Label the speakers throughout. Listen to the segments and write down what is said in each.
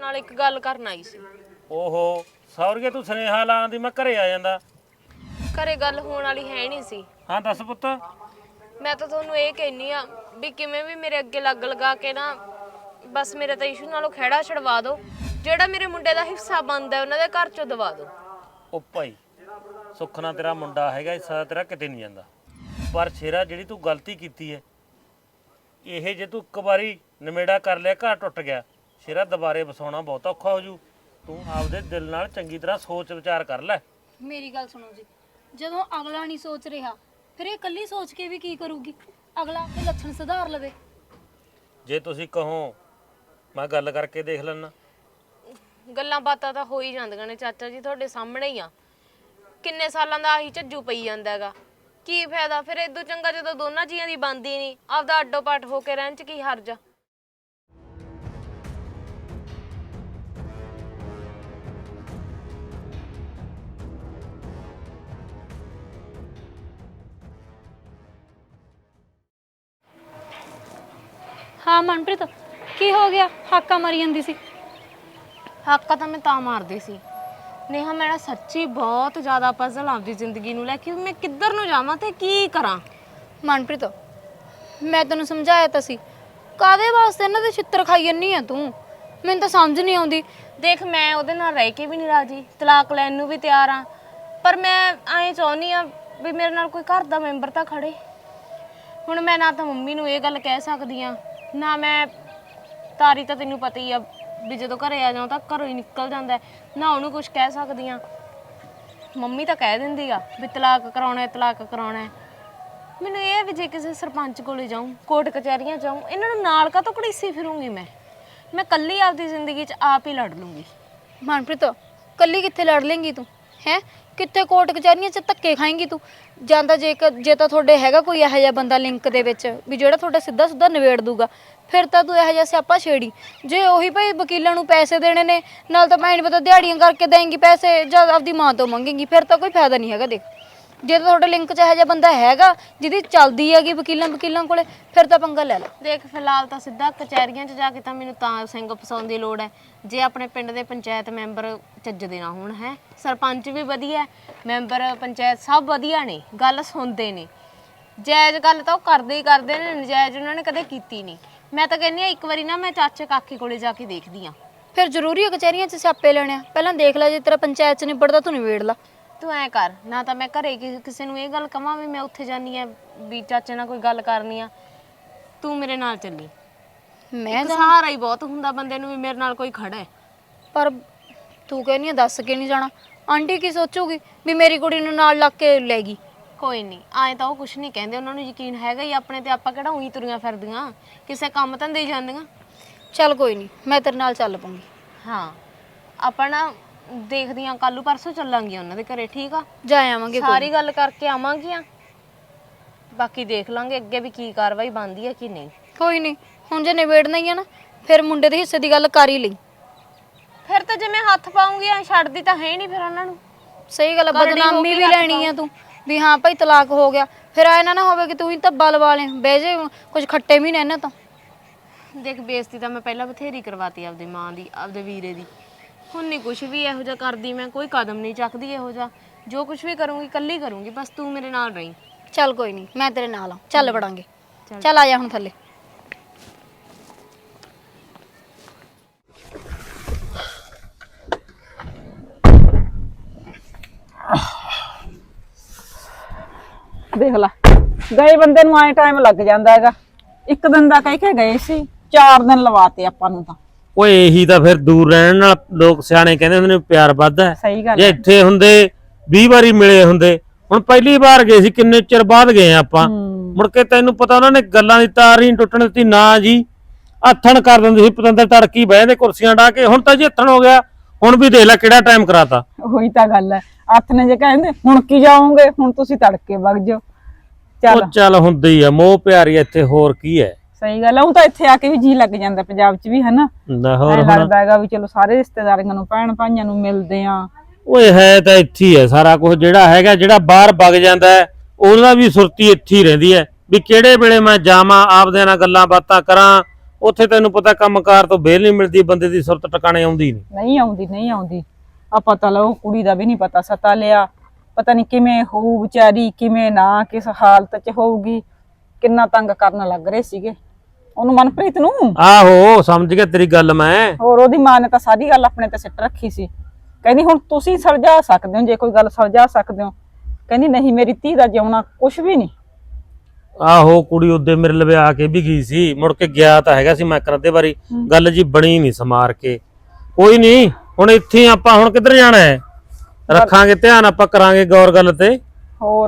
Speaker 1: ਨਾਲ ਇੱਕ ਗੱਲ ਕਰਨ ਆਈ ਸੀ।
Speaker 2: ਓਹੋ ਸੌਰਗੇ ਤੂੰ ਸੁਨੇਹਾ ਲਾਉਣ ਦੀ ਮੈਂ ਘਰੇ ਆ ਜਾਂਦਾ।
Speaker 1: ਘਰੇ ਗੱਲ ਹੋਣ ਵਾਲੀ ਹੈ ਨਹੀਂ ਸੀ।
Speaker 2: ਹਾਂ ਦੱਸ ਪੁੱਤ।
Speaker 1: ਮੈਂ ਤਾਂ ਤੁਹਾਨੂੰ ਇਹ ਕਹਿਨੀ ਆ ਵੀ ਕਿਵੇਂ ਵੀ ਮੇਰੇ ਅੱਗੇ ਲੱਗ ਲਗਾ ਕੇ ਨਾ ਬਸ ਮੇਰੇ ਤਾਂ ਇਸ਼ੂ ਨਾਲੋਂ ਖਹਿੜਾ ਛਡਵਾ ਦਿਓ। ਜਿਹੜਾ ਮੇਰੇ ਮੁੰਡੇ ਦਾ ਹਿੱਸਾ ਬਣਦਾ ਉਹਨਾਂ ਦੇ ਘਰ ਚੋਂ ਦਵਾ ਦਿਓ।
Speaker 2: ਉਹ ਭਾਈ ਸੁੱਖ ਨਾਲ ਤੇਰਾ ਮੁੰਡਾ ਹੈਗਾ, ਹਿੱਸਾ ਤੇਰਾ ਕਿਤੇ ਨਹੀਂ ਜਾਂਦਾ। ਪਰ ਸ਼ੇਰਾ ਜਿਹੜੀ ਤੂੰ ਗਲਤੀ ਕੀਤੀ ਹੈ ਇਹ ਜੇ ਤੂੰ ਇੱਕ ਵਾਰੀ ਨਿਮੇੜਾ ਕਰ ਲਿਆ ਘਰ ਟੁੱਟ ਗਿਆ, ਸ਼ੇਰਾ ਦੁਬਾਰੇ ਵਸਾਉਣਾ ਬਹੁਤ ਔਖਾ ਹੋ ਜੂ। ਤੂੰ ਆਪਦੇ ਦਿਲ ਨਾਲ ਚੰਗੀ ਤਰ੍ਹਾਂ ਸੋਚ ਵਿਚਾਰ ਕਰ ਲੈ।
Speaker 3: ਮੇਰੀ ਗੱਲ ਸੁਣੋ ਜੀ, ਜਦੋਂ ਅਗਲਾ ਨਹੀਂ ਸੋਚ ਰਿਹਾ ਫਿਰ ਇਹ ਇਕੱਲੀ ਸੋਚ ਕੇ ਵੀ ਕੀ ਕਰੂਗੀ? ਅਗਲਾ ਤੇ ਲੱਛਣ ਸੁਧਾਰ ਲਵੇ।
Speaker 2: ਜੇ ਤੁਸੀਂ ਕਹੋ ਮੈਂ ਗੱਲ ਕਰਕੇ ਦੇਖ ਲੈਣਾ।
Speaker 1: ਗੱਲਾਂ ਬਾਤਾਂ ਤਾਂ ਹੋ ਹੀ ਜਾਂਦੀਆਂ ਨੇ ਚਾਚਾ ਜੀ, ਤੁਹਾਡੇ ਸਾਹਮਣੇ ਹੀ ਆ। ਕਿੰਨੇ ਸਾਲਾਂ ਦਾ ਆਹੀ ਝੱਜੂ ਪਈ ਜਾਂਦਾ ਹੈਗਾ, ਕੀ ਫਾਇਦਾ ਫਿਰ? ਇਦੋਂ ਚੰਗਾ ਜਦੋਂ ਦੋਨਾਂ ਜੀਆਂ ਦੀ ਬਣਦੀ ਨਹੀਂ, ਆਪਦਾ ਅੱਡੋ ਪੱਟ ਹੋ ਕੇ ਰਹਿਣ ਚ ਕੀ ਹਰਜ ਆ?
Speaker 3: ਹਾਂ ਮਨਪ੍ਰੀਤ, ਕੀ ਹੋ ਗਿਆ? ਹਾਕਾ ਮਾਰੀ ਜਾਂਦੀ ਸੀ।
Speaker 1: ਹਾਕਾ ਤਾਂ ਮੈਂ ਤਾਂ ਮਾਰਦੀ ਸੀ ਨੇਹਾ, ਮੈਂ ਨਾ ਸੱਚੀ ਬਹੁਤ ਜ਼ਿਆਦਾ ਪਜ਼ਲ ਆਪਦੀ ਜ਼ਿੰਦਗੀ ਨੂੰ ਲੈ ਕੇ, ਮੈਂ ਕਿੱਧਰ ਨੂੰ ਜਾਵਾਂ ਤੇ ਕੀ ਕਰਾਂ।
Speaker 3: ਮਨਪ੍ਰੀਤ ਮੈਂ ਤੈਨੂੰ ਸਮਝਾਇਆ ਤਾਂ ਸੀ, ਕਾਦੇ ਵਾਸਤੇ ਇਹਨਾਂ ਦੇ ਛਿੱਤਰ ਖਾਈ ਜੰਨੀ ਆ ਤੂੰ? ਮੈਨੂੰ ਤਾਂ ਸਮਝ ਨਹੀਂ ਆਉਂਦੀ।
Speaker 1: ਦੇਖ ਮੈਂ ਉਹਦੇ ਨਾਲ ਰਹਿ ਕੇ ਵੀ ਨਹੀਂ ਰਾਜੀ, ਤਲਾਕ ਲੈਣ ਨੂੰ ਵੀ ਤਿਆਰ ਆ, ਪਰ ਮੈਂ ਐਂ ਚਾਹੁੰਦੀ ਆ ਵੀ ਮੇਰੇ ਨਾਲ ਕੋਈ ਘਰ ਦਾ ਮੈਂਬਰ ਤਾਂ ਖੜੇ। ਹੁਣ ਮੈਂ ਨਾ ਤਾਂ ਮੰਮੀ ਨੂੰ ਇਹ ਗੱਲ ਕਹਿ ਸਕਦੀ ਆ, ਨਾ ਮੈਂ ਤਾਰੀ ਤਾਂ ਤੈਨੂੰ ਪਤਾ ਹੀ ਆ ਵੀ ਜਦੋਂ ਘਰੇ ਆ ਜਾਉ ਤਾਂ ਘਰੋਂ ਹੀ ਨਿਕਲ ਜਾਂਦਾ, ਨਾ ਉਹਨੂੰ ਕੁਝ ਕਹਿ ਸਕਦੀ ਆ। ਮੰਮੀ ਤਾਂ ਕਹਿ ਦਿੰਦੀ ਆ ਵੀ ਤਲਾਕ ਕਰਾਉਣਾ ਤਲਾਕ ਕਰਾਉਣਾ। ਮੈਨੂੰ ਇਹ ਵੀ ਜੇ ਕਿਸੇ ਸਰਪੰਚ ਕੋਲੇ ਜਾਊਂ, ਕੋਰਟ ਕਚਹਿਰੀਆਂ ਜਾਊਂ, ਇਹਨਾਂ ਨੂੰ ਨਾਲ ਕਾ ਤੋਂ ਘੜੀਸੀ ਫਿਰੂੰਗੀ ਮੈਂ ਕੱਲੀ ਆਪਦੀ ਜ਼ਿੰਦਗੀ 'ਚ ਆਪ ਹੀ ਲੜ ਲੂੰਗੀ।
Speaker 3: ਮਨਪ੍ਰੀਤ ਕੱਲੀ ਕਿੱਥੇ ਲੜ ਲੇਂਗੀ ਤੂੰ? ਹੈ ਕਿੱਥੇ ਕੋਰਟ ਕਚਹਿਰੀਆਂ 'ਚ ਧੱਕੇ ਖਾਏਂਗੀ ਤੂੰ? ਜਾਂਦਾ ਜੇ ਤਾਂ ਤੁਹਾਡੇ ਹੈਗਾ ਕੋਈ ਇਹੋ ਜਿਹਾ ਬੰਦਾ ਲਿੰਕ ਦੇ ਵਿੱਚ ਵੀ ਜਿਹੜਾ ਤੁਹਾਡਾ ਸਿੱਧਾ ਸਿੱਧਾ ਨਿਬੇੜ ਦੂਗਾ, ਫਿਰ ਤਾਂ ਤੂੰ ਇਹੋ ਜਿਹਾ ਸਿਆਪਾ ਛੇੜੀ। ਜੇ ਉਹੀ ਭਾਈ ਵਕੀਲਾਂ ਨੂੰ ਪੈਸੇ ਦੇਣੇ ਨੇ, ਨਾਲ ਤਾਂ ਮੈਂ ਨਹੀਂ ਪਤਾ ਦਿਹਾੜੀਆਂ ਕਰਕੇ ਦੇਂਗੀ ਪੈਸੇ ਜਾਂ ਆਪਦੀ ਮਾਂ ਤੋਂ ਮੰਗੇਂਗੀ, ਫਿਰ ਤਾਂ ਕੋਈ ਫਾਇਦਾ ਨਹੀਂ ਹੈਗਾ। ਦੇਖ ਜੇ ਤਾਂ ਤੁਹਾਡੇ ਲਿੰਕ 'ਚ ਇਹੋ ਜਿਹਾ ਬੰਦਾ ਹੈਗਾ ਜਿਹਦੀ ਚੱਲਦੀ ਹੈਗੀ ਵਕੀਲਾਂ ਕੋਲੇ, ਫਿਰ ਤਾਂ ਪੰਗਾ ਲੈ ਲੈ।
Speaker 1: ਦੇਖ ਫਿਲਹਾਲ ਤਾਂ ਸਿੱਧਾ ਕਚਹਿਰੀਆਂ 'ਚ ਜਾ ਕੇ ਤਾਂ ਮੈਨੂੰ ਤਾਂ ਸਿੰਘ ਫਸਾਉਣ ਦੀ ਲੋੜ ਹੈ, ਜੇ ਆਪਣੇ ਪਿੰਡ ਦੇ ਪੰਚਾਇਤ ਮੈਂਬਰ ਚੱਜਦੇ ਨਾ ਹੋਣ। ਹੈ ਸਰਪੰਚ ਵੀ ਵਧੀਆ, ਮੈਂਬਰ ਪੰਚਾਇਤ ਸਭ ਵਧੀਆ ਨੇ, ਗੱਲ ਸੁਣਦੇ ਨੇ। ਜਾਇਜ਼ ਗੱਲ ਤਾਂ ਉਹ ਕਰਦੇ ਹੀ ਕਰਦੇ ਨੇ, ਨਜਾਇਜ਼ ਉਹਨਾਂ ਨੇ ਕਦੇ ਕੀਤੀ ਨਹੀਂ। ਮੈਂ ਤਾਂ ਕਹਿੰਦੀ ਆ ਇੱਕ ਵਾਰੀ ਨਾ ਮੈਂ ਚਾਚੇ ਕਾਕੇ ਕੋਲੇ ਜਾ ਕੇ ਦੇਖਦੀ ਆ।
Speaker 3: ਫਿਰ ਜ਼ਰੂਰੀ ਹੈ ਕਚਹਿਰੀਆਂ 'ਚ ਸਿਆਪੇ ਲੈਣੇ ਆ? ਪਹਿਲਾਂ ਦੇਖ ਲੈ, ਜੇ ਤੇਰਾ ਪੰਚਾਇਤ 'ਚ ਨਿਬੜਦਾ ਤੂੰ ਨਿਬੇੜ ਲਾ।
Speaker 1: ਤੂੰ ਐ ਕਰ, ਨਾ ਤਾਂ ਮੈਂ ਘਰੇ ਕਿਸੇ ਨੂੰ ਇਹ ਗੱਲ ਕਵਾਂ ਵੀ ਮੈਂ ਉੱਥੇ ਜਾਨੀ ਆ ਵੀ ਚਾਚੇ ਨਾਲ ਕੋਈ ਗੱਲ ਕਰਨੀ ਆ, ਤੂੰ ਮੇਰੇ ਨਾਲ ਚੱਲੀ।
Speaker 3: ਮੈਂ
Speaker 1: ਸਹਾਰਾ ਹੀ ਬਹੁਤ ਹੁੰਦਾ ਬੰਦੇ ਨੂੰ ਵੀ ਮੇਰੇ ਨਾਲ ਕੋਈ ਖੜਾ ਹੈ।
Speaker 3: ਪਰ ਤੂੰ ਕਹਿੰਦੀ ਆ ਦੱਸ ਕੇ ਨਹੀਂ ਜਾਣਾ, ਆਂਟੀ ਕੀ ਸੋਚੂਗੀ ਵੀ ਮੇਰੀ ਕੁੜੀ ਨੂੰ ਨਾਲ ਲੱਗ ਕੇ ਲੈ ਗਈ?
Speaker 1: ਕੋਈ ਨਹੀਂ, ਆਏ ਤਾਂ ਉਹ ਕੁਛ ਨਹੀਂ ਕਹਿੰਦੇ, ਉਹਨਾਂ ਨੂੰ ਯਕੀਨ ਹੈਗਾ ਹੀ ਆਪਣੇ ਤੇ। ਆਪਾਂ ਕਿਹੜਾ ਉਹੀ ਤੁਰੀਆਂ ਫਿਰਦੀਆਂ, ਕਿਸੇ ਕੰਮ ਧੰਦੇ ਹੀ ਜਾਂਦੀਆਂ।
Speaker 3: ਚੱਲ ਕੋਈ ਨਹੀਂ, ਮੈਂ ਤੇਰੇ ਨਾਲ ਚੱਲ ਪਊਂਗੀ।
Speaker 1: ਹਾਂ ਆਪਾਂ ਨਾ ਦੇਖਦੀਆਂ ਕੱਲੂ ਪਰਸੋਂ ਚੱਲਾਂਗੇ ਉਹਨਾਂ ਦੇ ਘਰੇ, ਠੀਕ ਆ?
Speaker 3: ਜਾ ਆਵਾਂਗੇ,
Speaker 1: ਸਾਰੀ ਗੱਲ ਕਰਕੇ ਆਵਾਂਗੀਆਂ, ਬਾਕੀ ਦੇਖ ਲਾਂਗੇ ਅੱਗੇ ਵੀ ਕੀ ਕਾਰਵਾਈ ਬਣਦੀ ਹੈ ਕਿ ਨਹੀਂ।
Speaker 3: ਕੋਈ ਨਹੀਂ, ਹੁਣ ਜੇ ਨਿਬੇੜਨਾ ਹੀ ਆ ਨਾ ਫਿਰ ਮੁੰਡੇ ਦੇ ਹਿੱਸੇ ਦੀ ਗੱਲ ਕਰ ਹੀ ਲਈ।
Speaker 1: ਫਿਰ ਤਾਂ ਜਿਵੇਂ ਹੱਥ ਪਾਉਂਗੀ ਛੱਡਦੀ ਤਾਂ ਹੈ ਨਹੀਂ ਫਿਰ ਉਹਨਾਂ ਨੂੰ।
Speaker 3: ਸਹੀ ਗੱਲ, ਬਦਨਾਮੀ ਵੀ ਲੈਣੀ ਆ ਤੂੰ ਵੀ ਹਾਂ ਭਾਈ ਤਲਾਕ ਹੋ ਗਿਆ, ਫਿਰ ਆਏ ਨਾ ਹੋਵੇ ਕਿ ਤੂੰ ਹੀ ਧੱਬਾ ਲਵਾ ਲੈ, ਬਹਿ ਜੇ ਕੁਝ ਖੱਟੇ ਵੀ ਨੇ ਇਹਨਾਂ ਤੋਂ।
Speaker 1: ਦੇਖ ਬੇਇੱਜ਼ਤੀ ਤਾਂ ਮੈਂ ਪਹਿਲਾਂ ਬਥੇਰੀ ਕਰਵਾਤੀ ਆਪਦੀ ਮਾਂ ਦੀ, ਆਪਦੇ ਵੀਰੇ ਦੀ। ਹੁਣ ਨਹੀਂ ਕੁਛ ਵੀ ਇਹੋ ਜਿਹਾ ਕਰਦੀ, ਮੈਂ ਕੋਈ ਕਦਮ ਨਹੀਂ ਚੱਕਦੀ ਇਹੋ ਜਿਹਾ। ਜੋ ਕੁਛ ਵੀ ਕਰੂੰਗੀ ਇਕੱਲੀ ਕਰੂੰਗੀ, ਬਸ ਤੂੰ ਮੇਰੇ ਨਾਲ ਰਹੀਂ।
Speaker 3: ਚੱਲ ਕੋਈ ਨਹੀਂ, ਮੈਂ ਤੇਰੇ ਨਾਲ ਆ, ਚੱਲ ਵੜਾਂਗੇ। ਚੱਲ ਆ ਜਾ ਹੁਣ ਥੱਲੇ।
Speaker 4: ਦੇਖ ਲਾ, ਗਏ ਬੰਦੇ ਨੂੰ ਐ ਟਾਈਮ ਲੱਗ ਜਾਂਦਾ ਹੈਗਾ। ਇੱਕ ਦਿਨ ਦਾ ਕਹਿ ਕੇ ਗਏ ਸੀ, 4 ਦਿਨ ਲਵਾਤੇ ਆਪਾਂ ਨੂੰ ਤਾਂ।
Speaker 2: ਓਏ ਇਹੀ ਤਾਂ ਫਿਰ ਦੂਰ ਰਹਿਣ ਨਾਲ ਲੋਕ ਸਿਆਣੇ ਕਹਿੰਦੇ ਹੁੰਦੇ ਨੇ ਪਿਆਰ ਵੱਧਦਾ।
Speaker 4: ਸਹੀ ਗੱਲ
Speaker 2: ਜੇ ਇੱਥੇ ਹੁੰਦੇ 20 ਵਾਰੀ ਮਿਲੇ ਹੁੰਦੇ, ਹੁਣ ਪਹਿਲੀ ਵਾਰ ਗਏ ਸੀ, ਕਿੰਨੇ ਚਿਰ ਬਾਅਦ ਗਏ ਆਪਾਂ। ਮੁੜ ਕੇ ਤੈਨੂੰ ਪਤਾ ਉਹਨਾਂ ਨੇ ਗੱਲਾਂ ਦੀ ਤਾਰ ਹੀ ਟੁੱਟਣ ਦਿੱਤੀ ਨਾ ਜੀ। ਹੱਥਣ ਕਰ ਦਿੰਦੇ ਸੀ ਪਤੰਦਰ, ਤੜਕੀ ਬਹਿ ਜਾਂਦੇ ਕੁਰਸੀਆਂ ਢਾ ਕੇ। ਹੁਣ ਤਾਂ ਜੀ ਹੱਥਣ ਹੋ ਗਿਆ, ਹੁਣ ਵੀ ਦੇਖ ਲੈ ਕਿਹੜਾ ਟਾਈਮ ਕਰਾਤਾ।
Speaker 4: ਉਹੀ ਤਾਂ ਗੱਲ ਹੈ, ਹੱਥ ਨੇ ਜੇ ਕਹਿੰਦੇ ਹੁਣ ਕੀ ਜਾਓਗੇ, ਹੁਣ ਤੁਸੀਂ ਤੜਕੇ ਵਗ ਜਾਓ। ਚੱਲ
Speaker 2: ਚੱਲ ਹੁੰਦੀ ਆ, ਮੋਹ ਪਿਆਰੀ ਇੱਥੇ, ਹੋਰ ਕੀ ਹੈ।
Speaker 4: ਸਹੀ ਗੱਲ ਹੈ, ਉਹ ਤਾਂ ਇੱਥੇ ਆ ਕੇ ਵੀ ਜੀ ਲੱਗ ਜਾਂਦਾ, ਪੰਜਾਬ 'ਚ ਵੀ ਹਨਾ। ਲੱਗਦਾ ਹੈਗਾ ਵੀ ਚਲੋ ਸਾਰੇ ਰਿਸ਼ਤੇਦਾਰਾਂ ਨੂੰ, ਭੈਣ ਭਾਈਆਂ ਨੂੰ ਮਿਲਦੇ ਆ।
Speaker 2: ਓਏ ਹੈ ਤਾਂ ਇੱਥੇ ਹੀ ਹੈ ਸਾਰਾ ਕੁਝ ਜਿਹੜਾ ਹੈਗਾ। ਜਿਹੜਾ ਬਾਹਰ ਵਗ ਜਾਂਦਾ ਹੈ ਉਹਦਾ ਵੀ ਸੁਰਤੀ ਇੱਥੇ ਹੀ ਰਹਿੰਦੀ ਹੈ ਵੀ ਕਿਹੜੇ ਵੇਲੇ ਮੈਂ ਜਾਵਾਂ, ਆਪਦਿਆਂ ਨਾਲ ਗੱਲਾਂ ਬਾਤਾਂ ਕਰਾਂ। ਉੱਥੇ ਤੈਨੂੰ ਪਤਾ ਕੰਮਕਾਰ ਤੋਂ ਵਿਹਲ ਨਹੀਂ ਮਿਲਦੀ, ਬੰਦੇ ਦੀ ਸੁਰਤ ਟਿਕਾਣੇ ਆਉਂਦੀ ਨਹੀਂ।
Speaker 4: ਨਹੀਂ ਆਉਂਦੀ ਆ ਪਤਾ ਲਓ ਕੁੜੀ ਦਾ ਵੀ ਨਹੀਂ ਪਤਾ ਸਤਾ ਲਿਆ, ਪਤਾ ਨਹੀਂ ਕਿਵੇਂ ਹੋਊ ਵਿਚਾਰੀ, ਕਿਵੇਂ ਨਾ, ਕਿਸ ਹਾਲਤ 'ਚ ਹੋਊਗੀ। ਕਿੰਨਾ ਤੰਗ ਕਰਨ ਲੱਗ ਰਹੇ ਸੀਗੇ ਉਹਨੂੰ, ਮਨਪ੍ਰੀਤ ਨੂੰ।
Speaker 2: ਆਹੋ ਸਮਝ ਗਿਆ ਤੇਰੀ ਗੱਲ ਮੈਂ।
Speaker 4: ਹੋਰ ਉਹਦੀ ਮਾਂ ਨੇ ਤਾਂ ਸਾਰੀ ਗੱਲ ਆਪਣੇ ਤੇ ਸਿੱਟ ਰੱਖੀ ਸੀ, ਕਹਿੰਦੀ ਹੁਣ ਤੁਸੀਂ ਸੁਲਝਾ ਸਕਦੇ ਹੋ, ਜੇ ਕੋਈ ਗੱਲ ਸੁਲਝਾ ਸਕਦੇ ਹੋ। ਕਹਿੰਦੀ ਨਹੀਂ, ਮੇਰੀ ਧੀ ਦਾ ਜਿਉਣਾ ਕੁਛ ਵੀ ਨਹੀਂ।
Speaker 2: ਆਹੋ ਕੁੜੀ ਉਹਦੇ ਮੇਰੇ ਲਵੇ ਆ ਕੇ ਵੀ ਗਈ ਸੀ, ਮੁੜ ਕੇ ਗਿਆ ਤਾਂ ਹੈਗਾ ਸੀ ਮੈਂ ਕਰਦੇ ਵਾਰੀ, ਗੱਲ ਜੀ ਬਣੀ ਨਹੀਂ ਸਮਾਰ ਕੇ। ਕੋਈ ਨਹੀਂ, ਹੁਣ ਇੱਥੇ ਆਪਾਂ ਹੁਣ ਕਿੱਧਰ ਜਾਣਾ ਹੈ, ਰੱਖਾਂਗੇ ਧਿਆਨ, ਆਪਾਂ ਕਰਾਂਗੇ ਗੌਰ ਗੱਲ ਤੇ।
Speaker 4: ਹੋਰ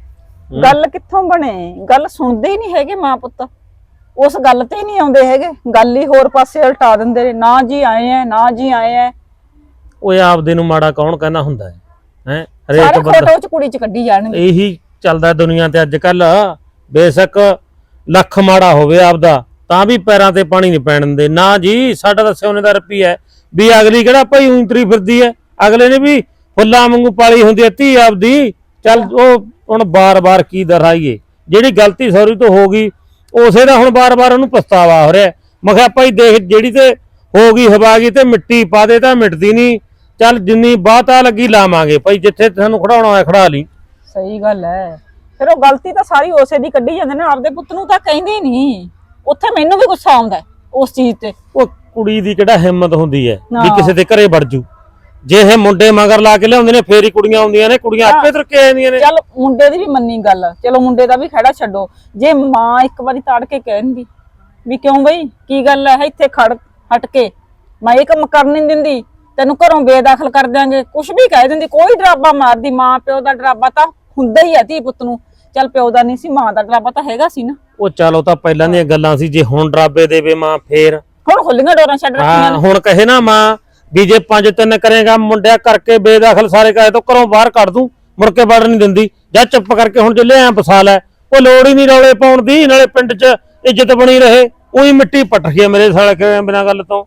Speaker 4: ਗੱਲ ਕਿੱਥੋਂ ਬਣੇ, ਗੱਲ ਸੁਣਦੇ ਹੀ ਨਹੀਂ ਹੈਗੇ ਮਾਂ ਪੁੱਤ, ਉਸ ਗੱਲ ਤੇ ਹੀ ਨਹੀਂ ਆਉਂਦੇ ਹੈਗੇ, ਗੱਲ ਹੀ ਹੋਰ ਪਾਸੇ ਉਲਟਾ ਦਿੰਦੇ ਨੇ। ਨਾ ਜੀ ਆਏ ਐ, ਨਾ ਜੀ ਆਏ ਐ।
Speaker 2: ਓਏ ਆਪਦੇ ਨੂੰ ਮਾੜਾ ਕੌਣ ਕਹਿੰਦਾ ਹੁੰਦਾ ਹੈ, ਹੈ
Speaker 4: ਸਾਰੇ
Speaker 2: ਹਰੇਕ ਬੰਦਾ
Speaker 4: ਫੋਟੋ ਚ ਕੁੜੀ ਚ ਕੱਢੀ ਜਾਣਗੇ।
Speaker 2: ਇਹੀ ਚੱਲਦਾ ਦੁਨੀਆ ਤੇ ਅੱਜ ਕੱਲ। ਬੇਸ਼ੱਕ ਲੱਖ ਮਾੜਾ ਹੋਵੇ ਆਪਦਾ, ਤਾਂ ਵੀ ਪੈਰਾਂ ਤੇ ਪਾਣੀ ਨਹੀਂ ਪੈਣ ਦਿੰਦੇ। ਨਾ ਜੀ, ਸਾਡਾ ਤਾਂ ਸੋਨੇ ਦਾ ਰੁਪਈਆ ਹੈ ਵੀ ਅਗਲੀ ਕਿਹੜਾ ਭਾਈ ਉਂਤਰੀ ਫਿਰਦੀ ਹੈ, ਅਗਲੇ ਨੇ ਵੀ ਫੁੱਲਾਂ ਵਾਂਗੂ ਪਾਲੀ ਹੁੰਦੀ ਹੈ ਧੀ ਆਪਦੀ। ਚੱਲ ਉਹ ਹੁਣ ਬਾਰ-ਬਾਰ ਕੀ ਦਰਾਈਏ, ਜਿਹੜੀ ਗਲਤੀ ਸੌਰੀ ਤੋਂ ਹੋ ਗਈ ਉਸੇ ਦਾ ਹੁਣ ਬਾਰ-ਬਾਰ ਉਹਨੂੰ ਪਛਤਾਵਾ ਹੋ ਰਿਹਾ। ਮੈਂ ਕਿਹਾ ਭਾਈ ਦੇਖ, ਜਿਹੜੀ ਤੇ ਹੋ ਗਈ ਹਵਾ ਗਈ ਤੇ ਮਿੱਟੀ ਪਾ ਦੇ ਤਾਂ ਮਿਟਦੀ ਨਹੀਂ। ਚੱਲ ਜਿੰਨੀ ਬਾਤਾ ਲੱਗੀ ਲਾਵਾਂਗੇ ਭਾਈ, ਜਿੱਥੇ ਤੁਹਾਨੂੰ ਖੜਾਉਣਾ ਹੋਇਆ ਖੜਾ ਲਈ।
Speaker 4: ਸਹੀ ਗੱਲ ਹੈ, ਫਿਰ ਉਹ ਗਲਤੀ ਤਾਂ ਸਾਰੀ ਉਸੇ ਦੀ ਕੱਢੀ ਜਾਂਦੇ ਨੇ, ਆਪਦੇ ਪੁੱਤ ਨੂੰ ਤਾਂ ਕਹਿੰਦੇ ਹੀ ਨਹੀਂ। ਉੱਥੇ ਮੈਨੂੰ ਵੀ ਗੁੱਸਾ ਆਉਂਦਾ ਉਸ ਚੀਜ਼ ਤੇ।
Speaker 2: ਉਹ ਕੁੜੀ ਦੀ ਕਿਹੜਾ ਹਿੰਮਤ ਹੁੰਦੀ ਹੈ ਵੀ
Speaker 4: ਨਾ।
Speaker 2: ਕਿਸੇ ਦੇ ਘਰੇ ਵੜ ਜੂ। ਜੇ ਇਹ ਮੁੰਡੇ ਮਗਰ ਲਾ ਕੇ ਲਿਆਉਂਦੇ ਨੇ ਫੇਰ ਹੀ ਕੁੜੀਆਂ ਆਉਂਦੀਆਂ ਨੇ, ਕੁੜੀਆਂ ਆਪੇ ਤੁਰ ਕੇ ਆ ਜਾਂਦੀਆਂ ਨੇ।
Speaker 4: ਚੱਲ ਮੁੰਡੇ ਦੀ ਵੀ ਮੰਨੀ ਗੱਲ, ਚਲੋ ਮੁੰਡੇ ਦਾ ਵੀ ਖੜਾ ਛੱਡੋ। ਜੇ ਮਾਂ ਇੱਕ ਵਾਰੀ ਤਾੜ ਕੇ ਕਹਿ ਦਿੰਦੀ ਵੀ ਕਿਉਂ ਬਈ ਕੀ ਗੱਲ ਹੈ, ਇੱਥੇ ਖੜ ਹਟ ਕੇ ਮੈਂ ਇਹ ਕੰਮ ਕਰਨ ਨਹੀਂ ਦਿੰਦੀ, ਤੈਨੂੰ ਘਰੋਂ ਬੇਦਾਖਲ ਕਰ ਦਿਆਂਗੇ, ਕੁਛ ਵੀ ਕਹਿ ਦਿੰਦੀ, ਕੋਈ ਡਰਾਬਾ ਮਾਰਦੀ। ਮਾਂ ਪਿਓ ਦਾ ਡਰਾਬਾ ਤਾਂ ਹੁੰਦਾ ਹੀ ਆ ਧੀ ਪੁੱਤ ਨੂੰ। ਚੱਲ ਪਿਓ ਦਾ ਨਹੀਂ ਸੀ, ਮਾਂ ਦਾ ਡਰਾਬਾ ਤਾਂ ਹੈਗਾ ਸੀ ਨਾ।
Speaker 2: ਉਹ ਚੱਲ ਉਹ ਤਾਂ ਪਹਿਲਾਂ ਦੀਆਂ ਗੱਲਾਂ ਸੀ, ਜੇ ਹੁਣ ਡਰਾਬੇ ਦੇਵੇ ਮਾਂ ਫੇਰ।
Speaker 4: ਹੁਣ ਖੁੱਲੀਆਂ ਡੋਰਾਂ ਛੱਡ ਰੱਖੀਆਂ
Speaker 2: ਹਾਂ,
Speaker 4: ਨੇ।
Speaker 2: ਹੁਣ ਕਹੇ ਨਾ ਮਾਂ ਵੀ ਜੇ 5-3 ਕਰੇਗਾ ਮੁੰਡਿਆ ਕਰਕੇ ਬੇਦਾਖਲ ਸਾਰੇ ਕਹੇ ਤੋਂ ਘਰੋਂ ਬਾਹਰ ਕੱਢ ਦੂੰ, ਮੁੜ ਕੇ ਵੜ ਨਹੀਂ ਦਿੰਦੀ। ਜਾਂ ਚੁੱਪ ਕਰਕੇ ਹੁਣ ਜੇ ਐ ਫਸਾ ਲੈ, ਉਹ ਲੋੜ ਹੀ ਨਹੀਂ ਰੌਲੇ ਪਾਉਣ ਦੀ, ਨਾਲੇ ਪਿੰਡ 'ਚ ਇੱਜ਼ਤ ਬਣੀ ਰਹੇ। ਉਹੀ ਮਿੱਟੀ ਪੱਟ ਗਈ ਮੇਰੇ ਸਾਲੇ ਕੇ ਬਿਨਾਂ ਗੱਲ ਤੋਂ।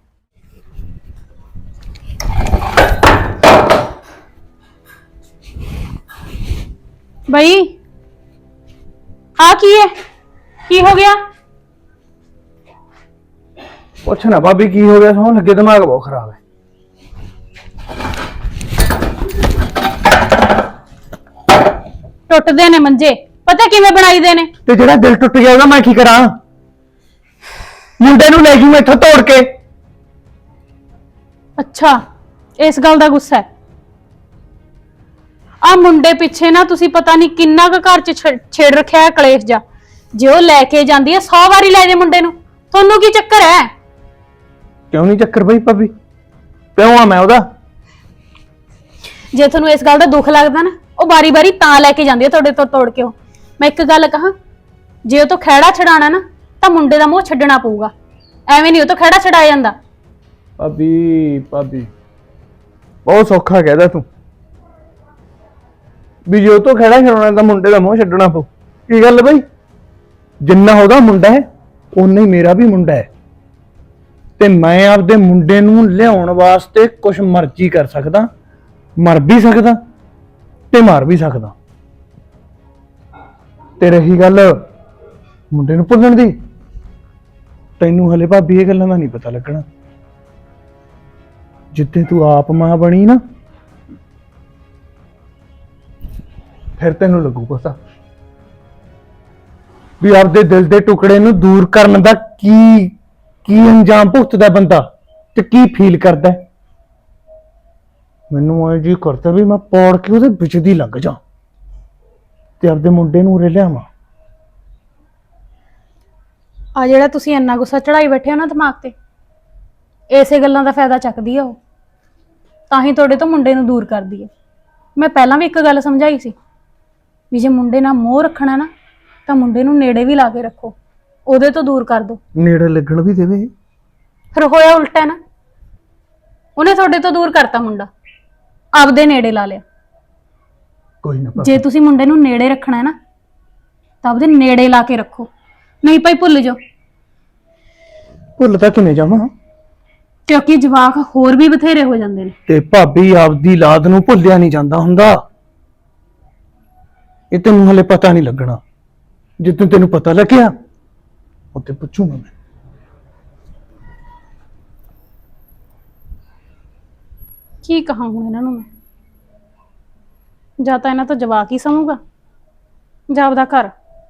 Speaker 5: ਬਈ ਆ ਕੀ ਹੈ, ਕੀ ਹੋ ਗਿਆ?
Speaker 6: ਪੁੱਛ ਨਾ ਭਾਬੀ ਕੀ ਹੋ ਗਿਆ, ਸੌਣ ਲੱਗੇ ਦਿਮਾਗ ਬਹੁਤ ਖਰਾਬ ਹੈ।
Speaker 5: ਟੁੱਟਦੇ ਨੇ ਮੰਜੇ, ਪਤਾ ਕਿਵੇਂ ਬਣਾਈਦੇ ਨੇ?
Speaker 6: ਤੇ ਜਿਹੜਾ ਦਿਲ ਟੁੱਟ ਗਿਆ ਉਹਦਾ ਮੈਂ ਕੀ ਕਰਾਂ? ਮੁੰਡੇ ਨੂੰ ਲੈ ਜੂ ਮੈਥੋਂ ਤੋੜ ਕੇ।
Speaker 5: ਅੱਛਾ, ਇਸ ਗੱਲ ਦਾ ਗੁੱਸਾ ਹੈ। ਆ ਮੁੰਡੇ ਪਿੱਛੇ ਨਾ ਤੁਸੀਂ ਪਤਾ ਨਹੀਂ ਕਿੰਨਾ ਕੁ ਘਰ 'ਚ ਛੇੜ ਰੱਖਿਆ ਹੈ ਕਲੇਸ਼ ਜਾ। ਜੇ ਉਹ ਲੈ ਕੇ ਜਾਂਦੀ ਹੈ 100 ਵਾਰੀ ਲੈ ਜੇ ਮੁੰਡੇ ਨੂੰ, ਤੁਹਾਨੂੰ ਕੀ ਚੱਕਰ ਹੈ?
Speaker 6: ਕਿਉਂ ਨਹੀਂ ਚੱਕਰ ਬਈ ਭਾਬੀ, ਪਿਓ ਆ ਮੈਂ ਉਹਦਾ।
Speaker 5: ਜੇ ਤੁਹਾਨੂੰ ਇਸ ਗੱਲ ਦਾ ਦੁੱਖ ਲੱਗਦਾ ਨਾ, ਉਹ ਬਾਰੀ-ਬਾਰੀ ਤਾਂ ਲੈ ਕੇ ਜਾਂਦੀ ਹੈ ਤੁਹਾਡੇ ਤੋਂ ਤੋੜ ਕੇ। ਉਹ ਮੈਂ ਇੱਕ ਗੱਲ ਕਹਾਂ, ਜੇ ਉਹ ਤੋਂ ਖਹਿੜਾ ਛਡਾਣਾ ਨਾ ਤਾਂ ਮੁੰਡੇ ਦਾ ਮੂੰਹ ਛੱਡਣਾ ਪਊਗਾ। ਐਵੇਂ ਨਹੀਂ ਉਹ ਤੋਂ ਖਹਿੜਾ ਛਡਾਇਆ ਜਾਂਦਾ।
Speaker 6: ਭਾਬੀ ਬਹੁਤ ਸੌਖਾ ਕਹਿਦਾ ਤੂੰ ਵੀ ਜੇ ਉਹ ਤੋਂ ਖੜਾ ਛਡਾਉਣਾ ਤਾਂ ਮੁੰਡੇ ਦਾ ਮੂੰਹ ਛੱਡਣਾ ਪਊ। ਕੀ ਗੱਲ ਬਈ, ਜਿੰਨਾ ਉਹਦਾ ਮੁੰਡਾ ਹੈ ਓਨਾ ਹੀ ਮੇਰਾ ਵੀ ਮੁੰਡਾ ਹੈ, ਤੇ ਮੈਂ ਆਪਦੇ ਮੁੰਡੇ ਨੂੰ ਲਿਆਉਣ ਵਾਸਤੇ ਕੁਛ ਮਰਜ਼ੀ ਕਰ ਸਕਦਾ, ਮਰ ਵੀ ਸਕਦਾ ਤੇ ਮਾਰ ਵੀ ਸਕਦਾ। ਤੇ ਰਹੀ ਗੱਲ ਮੁੰਡੇ ਨੂੰ ਭੁੱਲਣ ਦੀ, ਤੈਨੂੰ ਹਲੇ ਭਾਬੀ ਇਹ ਗੱਲਾਂ ਦਾ ਨਹੀਂ ਪਤਾ ਲੱਗਣਾ। ਜਿੱਦੇ ਤੂੰ ਆਪ ਮਾਂ ਬਣੀ ਨਾ, ਫਿਰ ਤੈਨੂੰ ਲੱਗੂ ਪਤਾ ਵੀ ਆਪਦੇ ਦਿਲ ਦੇ ਟੁਕੜੇ ਨੂੰ ਦੂਰ ਕਰਨ ਦਾ ਕੀ ਅੰਜਾਮ ਭੁਗਤਦਾ ਬੰਦਾ ਤੇ ਕੀ ਫੀਲ ਕਰਦਾ। ਮੈਨੂੰ ਇਹ ਜੀ ਕਰਦਾ ਵੀ ਮੈਂ ਪੌੜ ਕੇ ਉਹਦੇ ਵਿੱਚ ਦੀ ਲੰਘ ਜਾ ਤੇ ਆਪਦੇ ਮੁੰਡੇ ਨੂੰ ਉਰੇ ਲਿਆਵਾਂ।
Speaker 5: ਆ ਜਿਹੜਾ ਤੁਸੀਂ ਇੰਨਾ ਗੁੱਸਾ ਚੜਾਈ ਬੈਠੇ ਹੋ ਨਾ ਦਿਮਾਗ ਤੇ, ਇਸੇ ਗੱਲਾਂ ਦਾ ਫਾਇਦਾ ਚੱਕਦੀ ਆ ਉਹ, ਤਾਂ ਹੀ ਤੁਹਾਡੇ ਤੋਂ ਮੁੰਡੇ ਨੂੰ ਦੂਰ ਕਰਦੀ ਹੈ। ਮੈਂ ਪਹਿਲਾਂ ਵੀ ਇੱਕ ਗੱਲ ਸਮਝਾਈ ਸੀ ਵੀ ਜੇ ਮੁੰਡੇ ਨਾਲ ਮੋਹ ਰੱਖਣਾ ਨਾ ਤਾਂ ਮੁੰਡੇ ਨੂੰ ਨੇੜੇ ਵੀ ਲਾ ਕੇ ਰੱਖੋ, ਉਹਦੇ ਤੋਂ ਦੂਰ ਕਰ ਦੋ।
Speaker 6: ਨੇੜੇ ਲੱਗਣ ਵੀ ਦੇਵੇ।
Speaker 5: ਫਿਰ ਹੋਇਆ ਉਲਟਾ ਨਾ, ਉਹਨੇ ਤੁਹਾਡੇ ਤੋਂ ਦੂਰ ਕਰਤਾ ਮੁੰਡਾ, ਆਪਦੇ ਨੇੜੇ ਲਾ ਲਿਆ।
Speaker 6: ਕੋਈ ਨਾ
Speaker 5: ਜੇ ਤੁਸੀਂ ਮੁੰਡੇ ਨੂੰ ਨੇੜੇ ਰੱਖਣਾ ਹੈ ਨਾ ਤਾਂ ਆਪਦੇ ਨੇੜੇ ਲਾ ਕੇ ਰੱਖੋ, ਨਹੀਂ ਭਾਈ ਭੁੱਲ ਜਾਓ।
Speaker 6: ਭੁੱਲ ਤਾਂ ਕਿਵੇਂ ਜਾਵਾਂ,
Speaker 5: ਕਿਉਂਕਿ ਜਵਾਕ ਹੋਰ ਵੀ ਬਥੇਰੇ ਹੋ ਜਾਂਦੇ ਨੇ।
Speaker 6: ਤੇ ਭਾਬੀ ਆਪਦੀ ਲਾਦ ਨੂੰ ਭੁੱਲਿਆ ਨਹੀਂ ਜਾਂਦਾ ਹੁੰਦਾ। ਇਹ ਤੈਨੂੰ ਹਲੇ ਪਤਾ ਨਹੀਂ ਲੱਗਣਾ, ਜਦੋਂ ਤੈਨੂੰ ਪਤਾ ਲੱਗਿਆ ਉੱਤੇ ਪੁੱਛੂਗਾ ਮੈਂ।
Speaker 5: ਕੀ ਕਹਾਂ ਹੁਣ ਇਹਨਾਂ ਨੂੰ ਮੈਂ? ਜਾਂ ਤਾਂ ਇਹਨਾਂ ਤੋਂ ਜਵਾਕ ਹੀ ਸਮੂਗਾ ਜਾਂ ਆਪਦਾ ਘਰ।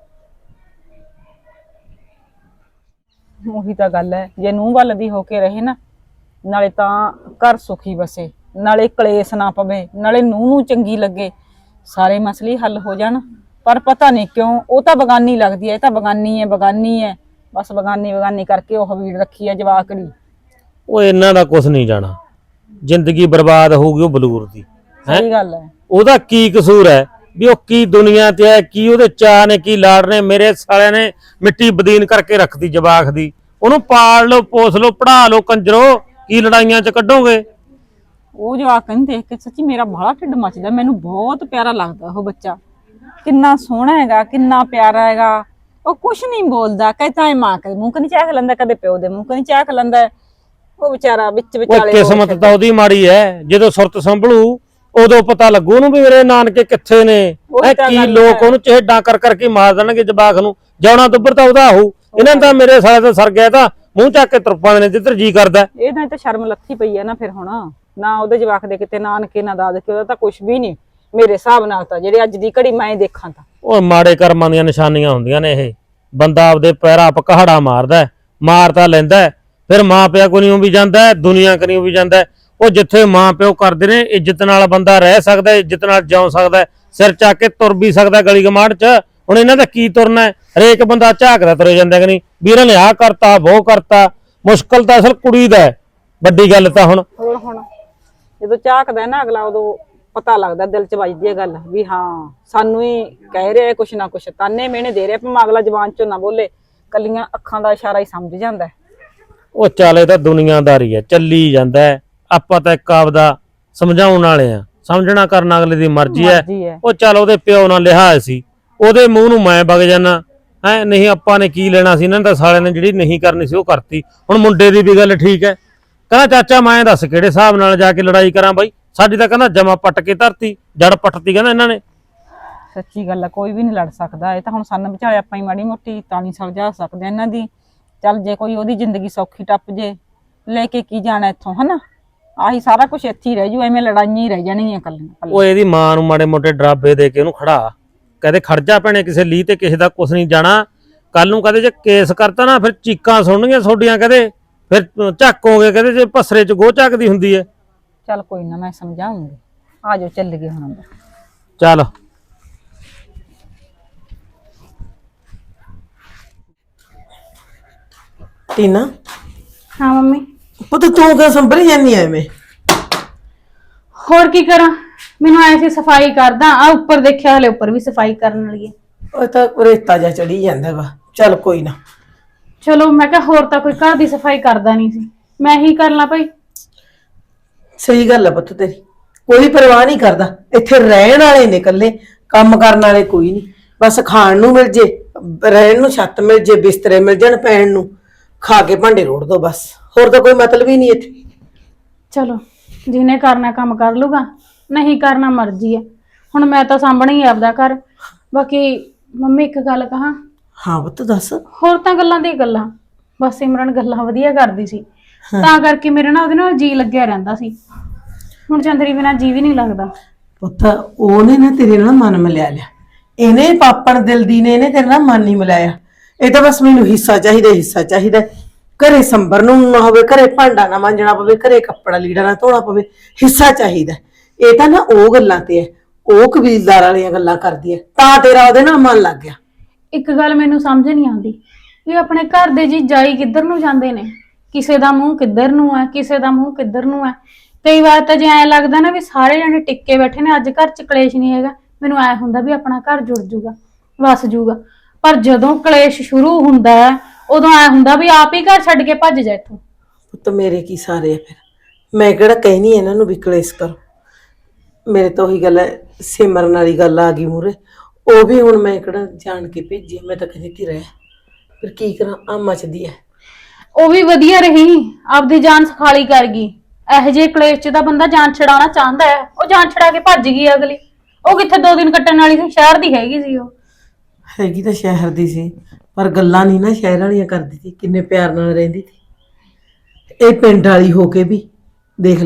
Speaker 4: ਉਹੀ ਤਾਂ ਗੱਲ ਹੈ, ਜੇ ਨੂੰਹ ਵੱਲ ਦੀ ਹੋ ਕੇ ਰਹੇ ਨਾ, ਨਾਲੇ ਤਾਂ ਘਰ ਸੁਖੀ ਵਸੇ, ਨਾਲੇ ਕਲੇਸ਼ ਨਾ ਪਵੇ, ਨਾਲੇ ਨੂੰਹ ਨੂੰ ਚੰਗੀ ਲੱਗੇ, ਸਾਰੇ ਮਸਲੇ ਹੱਲ ਹੋ ਜਾਣ। ਪਰ ਪਤਾ ਨਹੀਂ ਕਿਉਂ ਉਹ ਤਾਂ ਬਗਾਨੀ ਲੱਗਦੀ ਹੈ, ਇਹ ਤਾਂ ਬਗਾਨੀ ਹੈ ਬਗਾਨੀ ਹੈ, ਬਸ ਬਗਾਨੀ ਬਗਾਨੀ ਕਰਕੇ ਉਹ ਵੀੜ ਰੱਖੀ ਹੈ ਜਵਾਕੜੀ।
Speaker 2: ਉਹ ਇਹਨਾਂ ਦਾ ਕੁਝ ਨਹੀਂ ਜਾਣਾ, ਜ਼ਿੰਦਗੀ ਬਰਬਾਦ ਹੋਊਗੀ ਉਹ ਬਲੂਰ ਦੀ।
Speaker 4: ਸਹੀ ਗੱਲ ਹੈ।
Speaker 2: ਉਹਦਾ ਕੀ ਕਸੂਰ ਹੈ ਵੀ ਉਹ ਕੀ ਦੁਨੀਆ ਤੇ ਹੈ, ਕੀ ਉਹਦੇ ਚਾਅ ਨੇ, ਕੀ ਲਾੜ ਨੇ। ਮੇਰੇ ਸਾਲਿਆਂ ਨੇ ਮਿੱਟੀ ਬਦੀਨ ਕਰਕੇ ਰੱਖਦੀ ਜਵਾਕ ਦੀ। ਉਹਨੂੰ ਪਾਲ ਲਓ, ਪੋਸ ਲਓ, ਪੜ੍ਹਾ ਲਓ, ਕੰਜਰੋ, ਕੀ ਲੜਾਈਆਂ ਚ ਕੱਢੋਗੇ।
Speaker 4: ਉਹ ਜਵਾਕ ਨੂੰ ਦੇਖ ਕੇ ਸੱਚੀ ਮੇਰਾ ਬਾਹਲਾ ਢਿੱਡ ਮੱਚਦਾ, ਮੈਨੂੰ ਬਹੁਤ ਪਿਆਰਾ ਲੱਗਦਾ ਉਹ ਬੱਚਾ। ਕਿੰਨਾ ਸੋਹਣਾ ਹੈਗਾ, ਕਿੰਨਾ ਪਿਆਰਾ ਹੈਗਾ। ਉਹ ਕੁਛ ਨਹੀਂ ਬੋਲਦਾ, ਕਹਿੰਦਾ ਹੈ ਮਾਂ ਕਦੇ ਮੂੰਹ ਕਨੀ ਚਾਖ ਲੈਂਦਾ, ਕਦੇ ਪਿਓ ਦੇ ਮੂੰਹ ਕਨੀ ਚਾਖ ਲੈਂਦਾ। ਉਹ ਵਿਚਾਰਾ ਵਿੱਚ
Speaker 2: ਉਹ
Speaker 4: ਵਿਚਾਲੇ
Speaker 2: ਕਿਸਮਤ ਤਾਂ ਉਹਦੀ ਮਾੜੀ ਹੈ, ਜਦੋਂ ਸੁਰਤ ਸੰਭਲੂ ਉਦੋਂ ਪਤਾ ਲੱਗੂ ਉਹਨੂੰ ਵੀ ਮੇਰੇ ਨਾਨਕੇ ਕਿੱਥੇ ਨੇ।
Speaker 4: ਉਹੀ ਤਾਂ
Speaker 2: ਕੀ
Speaker 4: ਗੱਲ
Speaker 2: ਲੋਕ
Speaker 4: ਹੈ।
Speaker 2: ਉਹਨੂੰ ਚਿਹੜਾ ਕਰ ਕਰਕੇ ਮਾਰ ਦੇਣਗੇ ਜਵਾਕ ਨੂੰ। ਜਾਉਣਾ ਦੁੱਬਰ ਤਾਂ ਉਹਦਾ ਹੋਊ। ਇਹਨਾਂ ਦਾ ਮੇਰੇ ਸਾਲੇ ਦਾ ਸਰ ਗਿਆ ਤਾਂ ਮੂੰਹ ਚੱਕ ਕੇ ਤੁਰ ਪਾਉਂਦੇ ਨੇ ਜਿੱਧਰ ਜੀ ਕਰਦਾ।
Speaker 4: ਇਹਦਾ ਤਾਂ ਸ਼ਰਮ ਲੱਥੀ ਪਈ ਹੈ ਨਾ ਫਿਰ ਹੁਣ। ਨਾ ਉਹਦੇ ਜਵਾਕ ਦੇ ਕਿਤੇ ਨਾਨਕੇ ਨਾ ਦਾਦਕੇ, ਉਹਦਾ ਤਾਂ ਕੁਛ ਵੀ ਨਹੀਂ ਮੇਰੇ ਹਿਸਾਬ ਨਾਲ ਤਾਂ, ਜਿਹੜੇ ਅੱਜ ਦੀ ਘੜੀ ਮੈਂ ਦੇਖਾਂ ਤਾਂ।
Speaker 2: ਉਹ ਮਾੜੇ ਕਰਮਾਂ ਦੀਆਂ ਨਿਸ਼ਾਨੀਆਂ ਹੁੰਦੀਆਂ ਨੇ ਇਹ। ਬੰਦਾ ਆਪਦੇ ਪੈਰਾਂ ਆਪ ਕਹਾੜਾ ਮਾਰਦਾ, ਮਾਰ ਤਾਂ ਲੈਂਦਾ, ਫਿਰ ਮਾਂ ਪਿਓ ਕੋਲੋਂ ਵੀ ਜਾਂਦਾ, ਦੁਨੀਆ ਕੋਲੋਂ ਵੀ ਜਾਂਦਾ। ਉਹ ਜਿੱਥੇ ਮਾਂ ਪਿਓ ਕਰਦੇ ਨੇ, ਇੱਜ਼ਤ ਨਾਲ ਬੰਦਾ ਰਹਿ ਸਕਦਾ, ਇੱਜ਼ਤ ਨਾਲ ਜਿਉ ਸਕਦਾ, ਸਿਰ ਚੱਕ ਕੇ ਤੁਰ ਵੀ ਸਕਦਾ ਗਲੀ ਗਮਾਂਡ 'ਚ। ਹੁਣ ਇਹਨਾਂ ਦਾ ਕੀ ਤੁਰਨਾ ਹੈ? ਹਰੇਕ ਬੰਦਾ ਝਾਕਦਾ ਤੁਰੇ ਜਾਂਦਾ ਕਿ ਨਹੀਂ ਵੀਰਾਂ ਨੇ ਆਹ ਕਰਤਾ ਉਹ ਕਰਤਾ। ਮੁਸ਼ਕਲ ਤਾਂ ਅਸਲ ਕੁੜੀ ਦਾ ਹੈ, ਵੱਡੀ ਗੱਲ ਤਾਂ। ਹੁਣ
Speaker 4: ਜਦੋਂ ਝਾਕਦਾ ਨਾ ਅਗਲਾ, ਉਦੋਂ ਪਤਾ ਲੱਗਦਾ, ਦਿਲ 'ਚ ਵੱਜਦੀ ਹੈ ਗੱਲ ਵੀ ਹਾਂ ਸਾਨੂੰ ਹੀ ਕਹਿ ਰਿਹਾ ਕੁਛ ਨਾ ਕੁਛ, ਤਾਨੇ ਮਿਹਣੇ ਦੇ ਰਿਹਾ, ਭਾਵੇਂ ਅਗਲਾ ਜ਼ਬਾਨ 'ਚੋਂ ਨਾ ਬੋਲੇ, ਕੱਲੀਆਂ ਅੱਖਾਂ ਦਾ ਇਸ਼ਾਰਾ ਹੀ ਸਮਝ ਜਾਂਦਾ।
Speaker 2: ਉਹ ਚੱਲ ਇਹ ਤਾਂ ਦੁਨੀਆਦਾਰੀ ਹੈ, ਚੱਲੀ ਜਾਂਦਾ ਹੈ। ਆਪਾਂ ਤਾਂ ਇੱਕ ਆਪਦਾ ਸਮਝਾਉਣ ਵਾਲੇ ਆ, ਸਮਝਣਾ ਕਰਨਾ ਅਗਲੇ ਦੀ ਮਰਜ਼ੀ ਹੈ। ਉਹ ਚੱਲ ਉਹਦੇ ਪਿਓ ਨਾਲ ਲਿਹਾਜ਼ ਸੀ, ਉਹਦੇ ਮੂੰਹ ਨੂੰ ਮੈਂ ਵਗ ਜਾਣਾ ਹੈ। ਨਹੀਂ ਆਪਾਂ ਨੇ ਕੀ ਲੈਣਾ ਸੀ, ਇਹਨਾਂ ਦਾ ਸਾਲਿਆਂ ਨੇ ਜਿਹੜੀ ਨਹੀਂ ਕਰਨੀ ਸੀ ਉਹ ਕਰਤੀ। ਹੁਣ ਮੁੰਡੇ ਦੀ ਵੀ ਗੱਲ ਠੀਕ ਹੈ, ਕਹਿੰਦਾ ਚਾਚਾ ਮੈਂ ਦੱਸ ਕਿਹੜੇ ਹਿਸਾਬ ਨਾਲ ਜਾ ਕੇ ਲੜਾਈ ਕਰਾਂ ਬਾਈ, ਸਾਡੀ ਤਾਂ ਕਹਿੰਦਾ ਜਮਾ ਪੱਟ ਕੇ ਧਰਤੀ, ਜੜ ਪੱਟਤੀ ਕਹਿੰਦਾ ਇਹਨਾਂ ਨੇ।
Speaker 4: ਸੱਚੀ ਗੱਲ ਹੈ, ਕੋਈ ਵੀ ਨਹੀਂ ਲੜ ਸਕਦਾ। ਇਹ ਤਾਂ ਹੁਣ ਸਾਨੂੰ ਵਿਚਾਲੇ ਆਪਾਂ ਹੀ ਮਾੜੀ ਮੋਟੀ ਤਾਂ ਨਹੀਂ ਸਮਝਾ ਸਕਦੇ ਇਹਨਾਂ ਦੀ। ਚੱਲ ਜੇ ਕੋਈ ਉਹਦੀ ਜ਼ਿੰਦਗੀ ਸੌਖੀ ਟੱਪ ਜੇ, ਲੈ ਕੇ ਕੀ ਜਾਣਾ ਇੱਥੋਂ, ਹਨਾ। ਆਹੀ ਸਾਰਾ ਕੁਛ ਇੱਥੇ ਹੀ ਰਹਿ ਜੂ, ਐਵੇਂ ਲੜਾਈਆਂ ਹੀ ਰਹਿ ਜਾਣਗੀਆਂ ਕੱਲੀਆਂ।
Speaker 2: ਉਹ ਇਹਦੀ ਮਾਂ ਨੂੰ ਮਾੜੇ ਮੋਟੇ ਡਰਾਬੇ ਦੇ ਕੇ ਉਹਨੂੰ ਖੜਾ, ਕਹਦੇ ਖੜ ਜਾ ਭੈਣੇ, ਕਿਸੇ ਲੀ ਤੇ ਕਿਸੇ ਦਾ ਕੁਛ ਨਹੀਂ ਜਾਣਾ। ਕੱਲ ਨੂੰ ਕਹਦੇ ਜੇ ਕੇਸ ਕਰਤਾ ਨਾ, ਫਿਰ ਚੀਕਾਂ ਸੁਣਨਗੀਆਂ ਤੁਹਾਡੀਆਂ, ਕਹਦੇ ਫਿਰ ਝਾਕੋਗੇ, ਕਹਦੇ ਜੇ ਪਸਰੇ 'ਚ ਗੋਹ ਝਾਕਦੀ ਹੁੰਦੀ ਹੈ।
Speaker 4: ਚੱਲ ਕੋਈ ਨਾ, ਮੈਂ ਸਮਝਾਉਂਗੀ। ਆ ਜਾਓ ਚੱਲ ਗਏ ਹੁਣ ਅੰਦਰ।
Speaker 2: ਚੱਲ
Speaker 7: ਟੀਨਾ,
Speaker 5: ਹਾਂ ਮੰਮੀ।
Speaker 7: ਪੁੱਤ ਤੂੰ ਕਿਉਂ ਸੰਭਲੀ ਜਾਂਦੀ ਐਵੇਂ?
Speaker 5: ਹੋਰ ਕੀ ਕਰਾਂ, ਮੈਨੂੰ ਆਏ ਸੀ ਸਫਾਈ ਕਰਦਾ। ਆ ਉੱਪਰ ਦੇਖਿਆ, ਹਲੇ ਉੱਪਰ ਵੀ ਸਫਾਈ ਕਰਨ ਵਾਲੀ ਹੈ।
Speaker 7: ਉਹ ਤਾਂ ਰੇਤਾ ਜਿਹਾ ਚੜੀ ਜਾਂਦਾ ਵਾ। ਚੱਲ ਕੋਈ ਨਾ।
Speaker 5: ਚਲੋ ਮੈਂ ਕਿਹਾ ਹੋਰ ਤਾਂ ਕੋਈ ਘਰ ਦੀ ਸਫਾਈ ਕਰਦਾ ਨਹੀਂ ਸੀ, ਮੈਂ ਹੀ ਕਰ ਲਾਂ ਭਾਈ।
Speaker 7: ਸਹੀ ਗੱਲ ਆ ਪੁੱਤ ਤੇਰੀ, ਕੋਈ ਪਰਵਾਹ ਨਹੀਂ ਕਰਦਾ। ਇੱਥੇ ਰਹਿਣ ਵਾਲੇ ਨੇ ਇਕੱਲੇ, ਕੰਮ ਕਰਨ ਵਾਲੇ ਕੋਈ ਨਹੀਂ। ਬਸ ਖਾਣ ਨੂੰ ਮਿਲ ਜੇ, ਰਹਿਣ ਨੂੰ ਛੱਤ ਮਿਲ ਜੇ, ਬਿਸਤਰੇ ਮਿਲ ਜਾਣ ਪੈਣ ਨੂੰ, ਖਾ ਕੇ ਭਾਂਡੇ ਰੋੜ ਦੋ ਬਸ। ਹੋਰ ਤਾਂ ਕੋਈ ਮਤਲਬ ਹੀ ਨਹੀਂ ਇੱਥੇ।
Speaker 5: ਚਲੋ ਜਿਹਨੇ ਕਰਨਾ ਕੰਮ ਕਰ ਲੂਗਾ, ਨਹੀਂ ਕਰਨਾ ਮਰਜ਼ੀ ਹੈ। ਹੁਣ ਮੈਂ ਤਾਂ ਸਾਂਭਣਾ ਹੀ ਆਪਦਾ ਘਰ। ਬਾਕੀ ਮੰਮੀ ਇੱਕ ਗੱਲ ਕਹਾਂ?
Speaker 7: ਹਾਂ ਪੁੱਤ ਦੱਸ।
Speaker 5: ਹੋਰ ਤਾਂ ਗੱਲਾਂ ਦੀ ਗੱਲਾਂ, ਬਸ ਸਿਮਰਨ ਗੱਲਾਂ ਵਧੀਆ ਕਰਦੀ ਸੀ, ਤਾਂ ਕਰਕੇ ਮੇਰੇ ਨਾਲ ਉਹਦੇ ਨਾਲ ਜੀ ਲੱਗਿਆ ਰਹਿੰਦਾ ਸੀ। ਹੁਣ ਚੰਦਰੀ ਬਿਨਾਂ ਜੀ ਵੀ ਨਹੀਂ ਲੱਗਦਾ।
Speaker 7: ਪੁੱਤ ਉਹਨੇ ਨਾ ਤੇਰੇ ਨਾਲ ਮਨ ਮਿਲਿਆ ਲਿਆ, ਇਹਨੇ ਪਾਪਣ ਦਿਲ ਦੀ ਨੇ ਇਹਨੇ ਤੇਰੇ ਨਾਲ ਮਨ ਨਹੀਂ ਮਿਲਾਇਆ। ਇਹ ਤਾਂ ਬਸ ਮੈਨੂੰ ਹਿੱਸਾ ਚਾਹੀਦਾ, ਹਿੱਸਾ ਚਾਹੀਦਾ। ਘਰੇ ਸੰਭਰ ਨੂੰ ਨਾ ਹੋਵੇ, ਘਰੇ ਭਾਂਡਾ ਨਾ ਮਾਂਜਣਾ ਪਵੇ, ਘਰੇ ਕੱਪੜਾ ਲੀੜਾ ਨਾ ਧੋਣਾ ਪਵੇ, ਹਿੱਸਾ ਚਾਹੀਦਾ। ਇਹ ਤਾਂ ਨਾ ਉਹ ਗੱਲਾਂ ਤੇ ਹੈ, ਉਹ ਕਬੀਲਦਾਰ ਵਾਲੀਆਂ ਗੱਲਾਂ ਕਰਦੀ ਹੈ, ਤਾਂ ਤੇਰਾ ਉਹਦੇ ਨਾਲ ਮਨ ਲੱਗ ਗਿਆ।
Speaker 5: ਇੱਕ ਗੱਲ ਮੈਨੂੰ ਸਮਝ ਨਹੀਂ ਆਉਂਦੀ ਵੀ ਆਪਣੇ ਘਰ ਦੇ ਜੀ ਜਾਈ ਕਿੱਧਰ ਨੂੰ ਜਾਂਦੇ ਨੇ, ਕਿਸੇ ਦਾ ਮੂੰਹ ਕਿੱਧਰ ਨੂੰ ਹੈ, ਕਿਸੇ ਦਾ ਮੂੰਹ ਕਿੱਧਰ ਨੂੰ ਹੈ। ਕਈ ਵਾਰ ਤਾਂ ਜੇ ਐਂ ਲੱਗਦਾ ਨਾ ਵੀ ਸਾਰੇ ਜਣੇ ਟਿੱਕੇ ਬੈਠੇ ਨੇ, ਅੱਜ ਘਰ 'ਚ ਕਲੇਸ਼ ਨਹੀਂ ਹੈਗਾ, ਮੈਨੂੰ ਐ ਹੁੰਦਾ ਵੀ ਆਪਣਾ ਘਰ ਜੁੜ ਜੂਗਾ, ਵਸ ਜੂਗਾ। ਪਰ ਜਦੋਂ ਕਲੇਸ਼ ਸ਼ੁਰੂ ਹੁੰਦਾ ਹੈ, ਉਦੋਂ ਐ ਹੁੰਦਾ ਵੀ ਆਪ ਹੀ ਘਰ ਛੱਡ ਕੇ ਭੱਜ ਜਾ ਇੱਥੋਂ।
Speaker 7: ਪੁੱਤ ਮੇਰੇ ਕੀ ਸਾਰੇ ਆ ਫਿਰ, ਮੈਂ ਕਿਹੜਾ ਕਹਿਨੀ ਇਹਨਾਂ ਨੂੰ ਵੀ ਕਲੇਸ਼ ਕਰੋ। ਮੇਰੇ ਤਾਂ ਉਹੀ ਗੱਲ ਹੈ, ਸਿਮਰਨ ਵਾਲੀ ਗੱਲ ਆ ਗਈ ਮੂਰੇ। ਉਹ ਵੀ ਹੁਣ ਮੈਂ ਕਿਹੜਾ ਜਾਣ ਕੇ ਭੇਜੀ, ਮੈਂ ਤਾਂ ਕਹਿੰਦੀ ਤੀ ਰਹਿ, ਫਿਰ ਕੀ ਕਰਾਂ, ਆ ਮਚਦੀ ਹੈ।
Speaker 5: ਉਹ ਵੀ ਵਧੀਆ ਰਹੀ, ਆਪਦੀ ਜਾਨ ਸਖਾਲੀ ਕਰ ਗਈ। ਇਹੋ ਜਿਹੇ ਕਲੇਸ਼ 'ਚ ਤਾਂ ਬੰਦਾ ਜਾਨ ਛਡਾਉਣਾ ਚਾਹੁੰਦਾ ਹੈ, ਉਹ ਜਾਨ ਛਡਾ ਕੇ ਭੱਜ ਗਈ ਅਗਲੀ। ਉਹ ਕਿੱਥੇ 2 ਦਿਨ ਕੱਟਣ ਵਾਲੀ ਸੀ, ਸ਼ਹਿਰ ਦੀ ਹੈਗੀ ਸੀ। ਉਹ
Speaker 7: ਹੈਗੀ ਤਾਂ ਸ਼ਹਿਰ ਦੀ ਸੀ, ਪਰ ਗੱਲਾਂ ਨਹੀਂ ਨਾ ਸ਼ਹਿਰ ਵਾਲੀਆਂ ਕਰਦੀ ਸੀ, ਕਿੰਨੇ ਪਿਆਰ ਨਾਲ ਰਹਿੰਦੀ ਸੀ। ਇਹ ਪਿੰਡ ਵਾਲੀ ਹੋ ਕੇ ਵੀ ਦੇਖ ਲੈ,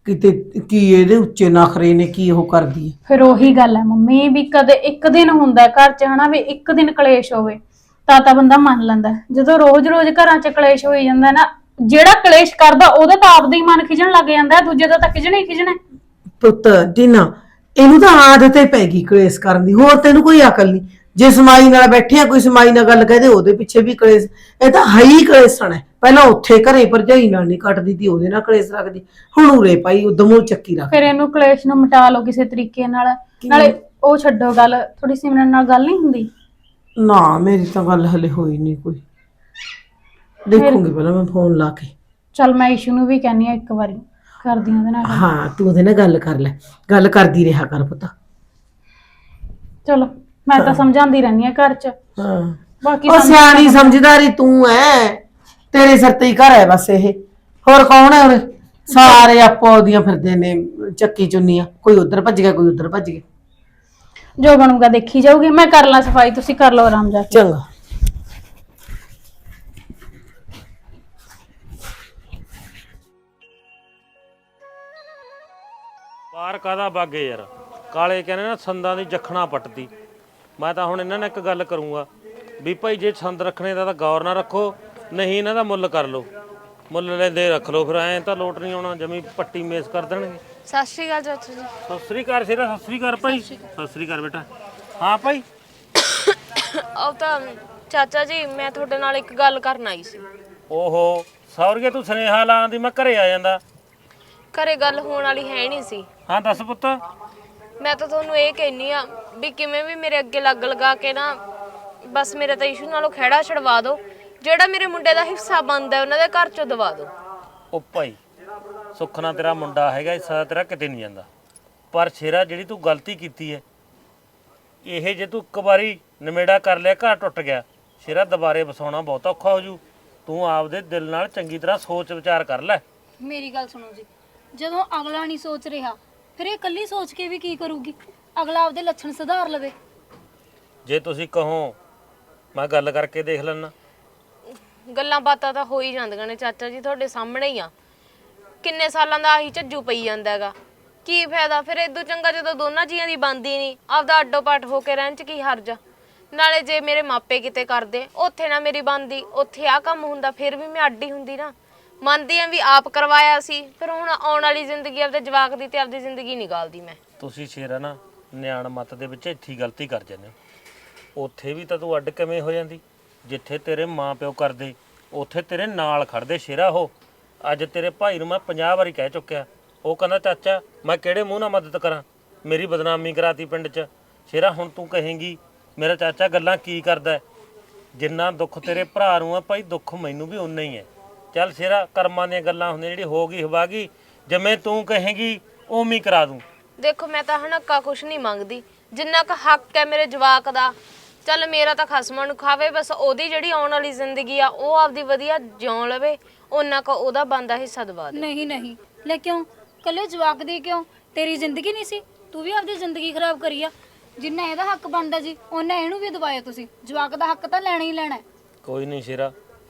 Speaker 7: ਕਿਤੇ ਕੀ ਇਹਦੇ ਉੱਚੇ ਨਖਰੇ ਨੇ, ਕੀ ਉਹ ਕਰਦੀ ਹੈ।
Speaker 5: ਫਿਰ ਉਹੀ ਗੱਲ ਹੈ ਮੰਮੀ ਵੀ ਕਦੇ ਇੱਕ ਦਿਨ ਹੁੰਦਾ ਘਰ 'ਚ ਹਨਾ ਵੀ ਇੱਕ ਦਿਨ ਕਲੇਸ਼ ਹੋਵੇ ਤਾਂ ਬੰਦਾ ਮੰਨ ਲੈਂਦਾ। ਜਦੋਂ ਰੋਜ਼-ਰੋਜ਼ ਘਰਾਂ 'ਚ ਕਲੇਸ਼ ਹੋਈ ਜਾਂਦਾ ਨਾ, ਜਿਹੜਾ ਕਲੇਸ਼ ਕਰਦਾ ਉਹਦਾ ਤਾਂ ਆਪਦਾ ਹੀ ਮਨ ਖਿਜਣ ਲੱਗ ਜਾਂਦਾ, ਦੂਜੇ ਦਾ ਤਾਂ ਖਿਜਣਾ ਹੀ ਖਿਜਣਾ।
Speaker 7: ਪੁੱਤ ਟੀਨਾ, ਇਹਨੂੰ ਤਾਂ ਆਦਤ ਹੀ ਪੈ ਗਈ ਕਲੇਸ਼ ਕਰਨ ਦੀ, ਹੋਰ ਤੈਨੂੰ ਕੋਈ ਅਕਲ ਨਹੀਂ। ਜੇ ਸਮਾਈ ਨਾਲ ਬੈਠੇ ਆ, ਕੋਈ ਸਮਾਈ ਨਾਲ ਗੱਲ ਕਹਦੇ ਉਹਦੇ ਪਿੱਛੇ ਵੀ ਕਲੇਸ਼। ਇਹ ਤਾਂ ਹੈ ਹੀ ਕਲੇਸ਼ਣ ਹੈ। ਪਹਿਲਾਂ ਉੱਥੇ ਘਰੇ ਭਰਜਾਈ ਨਾਲ ਨਹੀਂ ਕੱਟਦੀ ਤੀ, ਉਹਦੇ ਨਾਲ ਕਲੇਸ਼ ਰੱਖਦੀ, ਹੁਣ ਉਰੇ ਭਾਈ ਉਦਮੋਂ ਚੱਕੀ ਰੱਖ।
Speaker 5: ਫਿਰ ਇਹਨੂੰ ਕਲੇਸ਼ ਨੂੰ ਮਿਟਾ ਲਓ ਕਿਸੇ ਤਰੀਕੇ ਨਾਲ। ਨਾਲੇ ਉਹ ਛੱਡੋ ਗੱਲ, ਥੋੜੀ ਸਿਮਰਨ ਨਾਲ ਗੱਲ ਨਹੀਂ ਹੁੰਦੀ?
Speaker 7: ਨਾ ਮੇਰੀ ਤਾਂ ਗੱਲ ਹਲੇ ਹੋਈ ਨਹੀਂ ਕੋਈ, ਦੇਖੂੰਗੀ ਪਹਿਲਾਂ ਮੈਂ ਫੋਨ ਲਾ ਕੇ।
Speaker 5: ਚਲ ਮੈਂ ਇਸ਼ੂ ਨੂੰ ਵੀ ਕਹਿੰਨੀ ਆ ਇੱਕ ਵਾਰੀ, ਕਰਦੀ ਉਹਦੇ ਨਾਲ ਗੱਲ।
Speaker 7: ਹਾਂ ਤੂੰ ਉਹਦੇ ਨਾਲ ਗੱਲ ਕਰ ਲੈ, ਗੱਲ ਕਰਦੀ ਰਿਹਾ ਕਰ ਪੁੱਤ।
Speaker 5: ਚਲੋ ਮੈਂ ਤਾਂ ਸਮਝਾਉਂਦੀ ਰਹਿੰਦੀ ਆ ਘਰ 'ਚ,
Speaker 7: ਹਾਂ
Speaker 5: ਬਾਕੀ
Speaker 7: ਉਹ ਸਿਆਣੀ ਸਮਝਦਾਰੀ ਤੂੰ ਐ, ਤੇਰੇ ਸਿਰ ਤੇ ਹੀ ਘਰ ਹੈ ਬਸ ਇਹ, ਹੋਰ ਕੌਣ ਹੈ ਉਰੇ? ਸਾਰੇ ਆਪੋ ਉਹਦੀਆਂ ਫਿਰਦੇ ਨੇ ਚੱਕੀ ਚੁੰਨੀਆਂ, ਕੋਈ ਉਧਰ ਭੱਜ ਗਿਆ, ਕੋਈ ਉਧਰ ਭੱਜ ਗਿਆ।
Speaker 5: ਜੋ ਬਣੂਗਾ ਦੇਖੀ ਜਾਊਗੀ। ਮੈਂ ਕਰ ਲਾਂ ਸਫਾਈ, ਤੁਸੀਂ ਕਰ ਲਓ ਆਰਾਮ ਜਾ ਕੇ।
Speaker 7: ਚੰਗਾ।
Speaker 2: ਬਾਹਰ ਕਾਹਦਾ ਬਾਗੇ ਯਾਰ, ਕਾਲੇ ਕਹਿੰਦੇ ਨਾ ਸੰਦਾਂ ਦੀ ਜਖਣਾ ਪੱਟਦੀ। ਮੈਂ ਤਾਂ ਹੁਣ ਇਹਨਾਂ ਨਾਲ ਇੱਕ ਗੱਲ ਕਰੂੰਗਾ ਵੀ ਭਾਈ ਜੇ ਸੰਦ ਰੱਖਣੇ ਦਾ ਤਾਂ ਗੌਰ ਨਾ ਰੱਖੋ, ਨਹੀਂ ਇਹਨਾਂ ਦਾ ਮੁੱਲ ਕਰ ਲਓ, ਮੁੱਲ ਲੈਂਦੇ ਰੱਖ ਲਓ, ਫਿਰ ਐਂ ਤਾਂ ਲੋਟ ਨਹੀਂ ਆਉਣਾ, ਜਮੀ ਪੱਟੀ ਮੇਸ ਕਰ ਦੇਣਗੇ।
Speaker 1: ਸਤਿ ਸ਼੍ਰੀ ਅਕਾਲ ਚਾਚੂ ਜੀ।
Speaker 2: ਸਤਿ ਸ੍ਰੀ ਅਕਾਲ ਸ਼ੇਰਾ, ਸਤਿ ਸ੍ਰੀ ਅਕਾਲ ਭਾਈ। ਸਤਿ ਸ੍ਰੀ ਅਕਾਲ ਬੇਟਾ। ਹਾਂ ਭਾਈ।
Speaker 1: ਉਹ ਤਾਂ ਚਾਚਾ ਜੀ ਮੈਂ ਤੁਹਾਡੇ ਨਾਲ ਇੱਕ ਗੱਲ ਕਰਨ ਆਈ ਸੀ।
Speaker 2: ਓਹੋ ਸੌਰਗੇ, ਤੂੰ ਸੁਨੇਹਾ ਲਾਉਣ ਦੀ ਮੈਂ ਘਰੇ ਆ ਜਾਂਦਾ।
Speaker 1: ਘਰੇ ਗੱਲ ਹੋਣ ਵਾਲੀ ਹੈ ਨਹੀਂ ਸੀ।
Speaker 2: ਹਾਂ ਦੱਸ ਪੁੱਤ।
Speaker 1: ਮੈਂ ਤਾਂ ਤੁਹਾਨੂੰ ਇਹ ਕਹਿਨੀ ਆ ਵੀ ਕਿਵੇਂ ਵੀ ਮੇਰੇ ਅੱਗੇ ਲੱਗ ਲਗਾ ਕੇ ਨਾ ਬਸ ਮੇਰੇ ਤਾਂ ਇਸ਼ੂ ਨਾਲੋਂ ਖਹਿੜਾ ਛਡਵਾ ਦਿਓ, ਜਿਹੜਾ ਮੇਰੇ ਮੁੰਡੇ ਦਾ ਹਿੱਸਾ ਬਣਦਾ ਉਹਨਾਂ ਦੇ ਘਰ ਚੋਂ ਦਵਾ ਦਿਓ।
Speaker 2: ਉਹ ਭਾਈ ਸੁਖਨਾ ਤੇਰਾ ਮੁੰਡਾ ਹੈਗਾ, ਹਿੱਸਾ ਤੇਰਾ ਕਿਤੇ ਨਹੀਂ ਜਾਂਦਾ। ਪਰ ਸ਼ੇਰਾ ਜਿਹੜੀ ਤੂੰ ਗਲਤੀ ਕੀਤੀ ਹੈ, ਇਹ ਜੇ ਤੂੰ ਇੱਕ ਵਾਰੀ ਨਿਮੇੜਾ ਕਰ ਲਿਆ, ਘਰ ਟੁੱਟ ਗਿਆ, ਸ਼ੇਰਾ ਦੁਬਾਰੇ ਵਸਾਉਣਾ ਬਹੁਤ ਔਖਾ ਹੋ ਜੂ। ਤੂੰ ਆਪਦੇ ਦਿਲ ਨਾਲ ਚੰਗੀ ਤਰ੍ਹਾਂ ਸੋਚ ਵਿਚਾਰ ਕਰ ਲੈ।
Speaker 3: ਮੇਰੀ ਗੱਲ ਸੁਣੋ ਜੀ, ਜਦੋਂ ਅਗਲਾ ਨਹੀਂ ਸੋਚ ਰਿਹਾ ਫਿਰ ਇਹ ਇਕੱਲੀ ਸੋਚ ਕੇ ਵੀ ਕੀ ਕਰੂਗੀ? ਅਗਲਾ ਆਪਦੇ ਲੱਛਣ ਸੁਧਾਰ ਲਵੇ।
Speaker 2: ਜੇ ਤੁਸੀਂ ਕਹੋ ਮੈਂ ਗੱਲ ਕਰਕੇ ਦੇਖ ਲੈਣਾ।
Speaker 1: ਗੱਲਾਂ ਬਾਤਾਂ ਤਾਂ ਹੋ ਹੀ ਜਾਂਦੀਆਂ ਨੇ ਚਾਚਾ ਜੀ, ਤੁਹਾਡੇ ਸਾਹਮਣੇ ਹੀ ਆ। ਕਿੰਨੇ ਸਾਲਾਂ ਦਾ ਆਹੀ ਝੱਜੂ ਪਈ ਜਾਂਦਾ ਹੈਗਾ, ਕੀ ਫਾਇਦਾ? ਫਿਰ ਇਦੋਂ ਚੰਗਾ ਜਦੋਂ ਦੋਨਾਂ ਜੀਆਂ ਦੀ ਬਣਦੀ ਨਹੀਂ, ਆਪਦਾ ਅੱਡੋ ਪੱਟ ਹੋ ਕੇ ਰਹਿਣ 'ਚ ਕੀ ਹਰਜ ਆ? ਨਾਲੇ ਜੇ ਮੇਰੇ ਮਾਪੇ ਕਿਤੇ ਕਰਦੇ, ਉੱਥੇ ਨਾ ਮੇਰੀ ਬਣਦੀ, ਉੱਥੇ ਆ ਕੰਮ ਹੁੰਦਾ, ਫਿਰ ਵੀ ਮੈਂ ਅੱਡ ਹੀ ਹੁੰਦੀ ਨਾ। ਮੰਨਦੀ ਆ ਵੀ ਆਪ ਕਰਵਾਇਆ ਸੀ, ਫਿਰ ਹੁਣ ਆਉਣ ਵਾਲੀ ਜ਼ਿੰਦਗੀ ਆਪਦੇ ਜਵਾਕ ਦੀ ਤੇ ਆਪਦੀ ਜ਼ਿੰਦਗੀ ਨਿਕਾਲਦੀ ਮੈਂ।
Speaker 2: ਤੁਸੀਂ ਸ਼ੇਰਾ ਨਾ ਨਿਆਣ ਮੱਤ ਦੇ ਵਿੱਚ ਇੱਥੇ ਗਲਤੀ ਕਰ ਜਾਂਦੇ ਹੋ। ਉੱਥੇ ਵੀ ਤਾਂ ਤੂੰ ਅੱਡ ਕਿਵੇਂ ਹੋ ਜਾਂਦੀ? ਜਿੱਥੇ ਤੇਰੇ ਮਾਂ ਪਿਓ ਕਰਦੇ, ਉੱਥੇ ਤੇਰੇ ਨਾਲ ਖੜਦੇ ਸ਼ੇਰਾ। ਉਹ ਅੱਜ ਤੇਰੇ ਭਾਈ ਨੂੰ ਮੈਂ 50 ਵਾਰੀ ਕਹਿ ਚੁੱਕਿਆ, ਉਹ ਕਹਿੰਦਾ ਚਾਚਾ ਮੈਂ ਕਿਹੜੇ ਮੂੰਹ ਨਾਲ ਮਦਦ ਕਰਾਂ, ਮੇਰੀ ਬਦਨਾਮੀ ਕਰਾਤੀ ਪਿੰਡ 'ਚ। ਸ਼ੇਰਾ ਹੁਣ ਤੂੰ ਕਹੇਂਗੀ ਮੇਰਾ ਚਾਚਾ ਗੱਲਾਂ ਕੀ ਕਰਦਾ? ਜਿੰਨਾ ਦੁੱਖ ਤੇਰੇ ਭਰਾ ਨੂੰ ਆ ਭਾਈ, ਦੁੱਖ ਮੈਨੂੰ ਵੀ ਉਨਾ ਹੀ ਹੈ। ਚੱਲ ਸ਼ੇਰਾ, ਕਰਮਾਂ ਦੀਆਂ ਗੱਲਾਂ ਹੁੰਦੀਆਂ, ਜਿਹੜੀ ਹੋ ਗਈ ਹਵਾ ਗਈ, ਜਿਵੇਂ ਤੂੰ ਕਹੇਂਗੀ ਉਵੇਂ ਹੀ ਕਰਾ ਦੂੰ।
Speaker 1: ਦੇਖੋ ਮੈਂ ਤਾਂ ਹਣੱਕਾ ਕੁਛ ਨਹੀਂ ਮੰਗਦੀ, ਜਿੰਨਾ ਕੁ ਹੱਕ ਹੈ ਮੇਰੇ ਜਵਾਕ ਦਾ, ਚੱਲ ਮੇਰਾ ਤਾਂ ਖਸਮਾਂ ਨੂੰ ਖਾਵੇ, ਬਸ ਉਹਦੀ ਜਿਹੜੀ ਆਉਣ ਵਾਲੀ ਜ਼ਿੰਦਗੀ ਆ ਉਹ ਆਪਦੀ ਵਧੀਆ ਜਿਉਂ ਲਵੇ, ਉਹਨਾਂ ਕੋ ਉਹਦਾ ਬਣਦਾ ਹਿੱਸਾ ਦਵਾ ਦੇ।
Speaker 3: ਨਹੀਂ ਨਹੀਂ, ਲੈ ਕਿਉਂ ਕੱਲੇ ਜਵਾਕ ਦੀ? ਕਿਉਂ ਤੇਰੀ ਜ਼ਿੰਦਗੀ ਨਹੀਂ ਸੀ? ਤੂੰ ਵੀ ਆਪਦੀ ਜ਼ਿੰਦਗੀ ਖਰਾਬ ਕਰੀ ਆ। ਜਿੰਨਾ ਇਹਦਾ ਹੱਕ ਬਣਦਾ ਜੀ ਉਹਨਾਂ ਇਹਨੂੰ ਵੀ ਦਵਾਇਆ ਤੁਸੀਂ। ਜਵਾਕ ਦਾ ਹੱਕ ਤਾਂ ਲੈਣਾ ਹੀ ਲੈਣਾ।
Speaker 2: ਕੋਈ ਨਹੀਂ ਸ਼ੇਰਾ,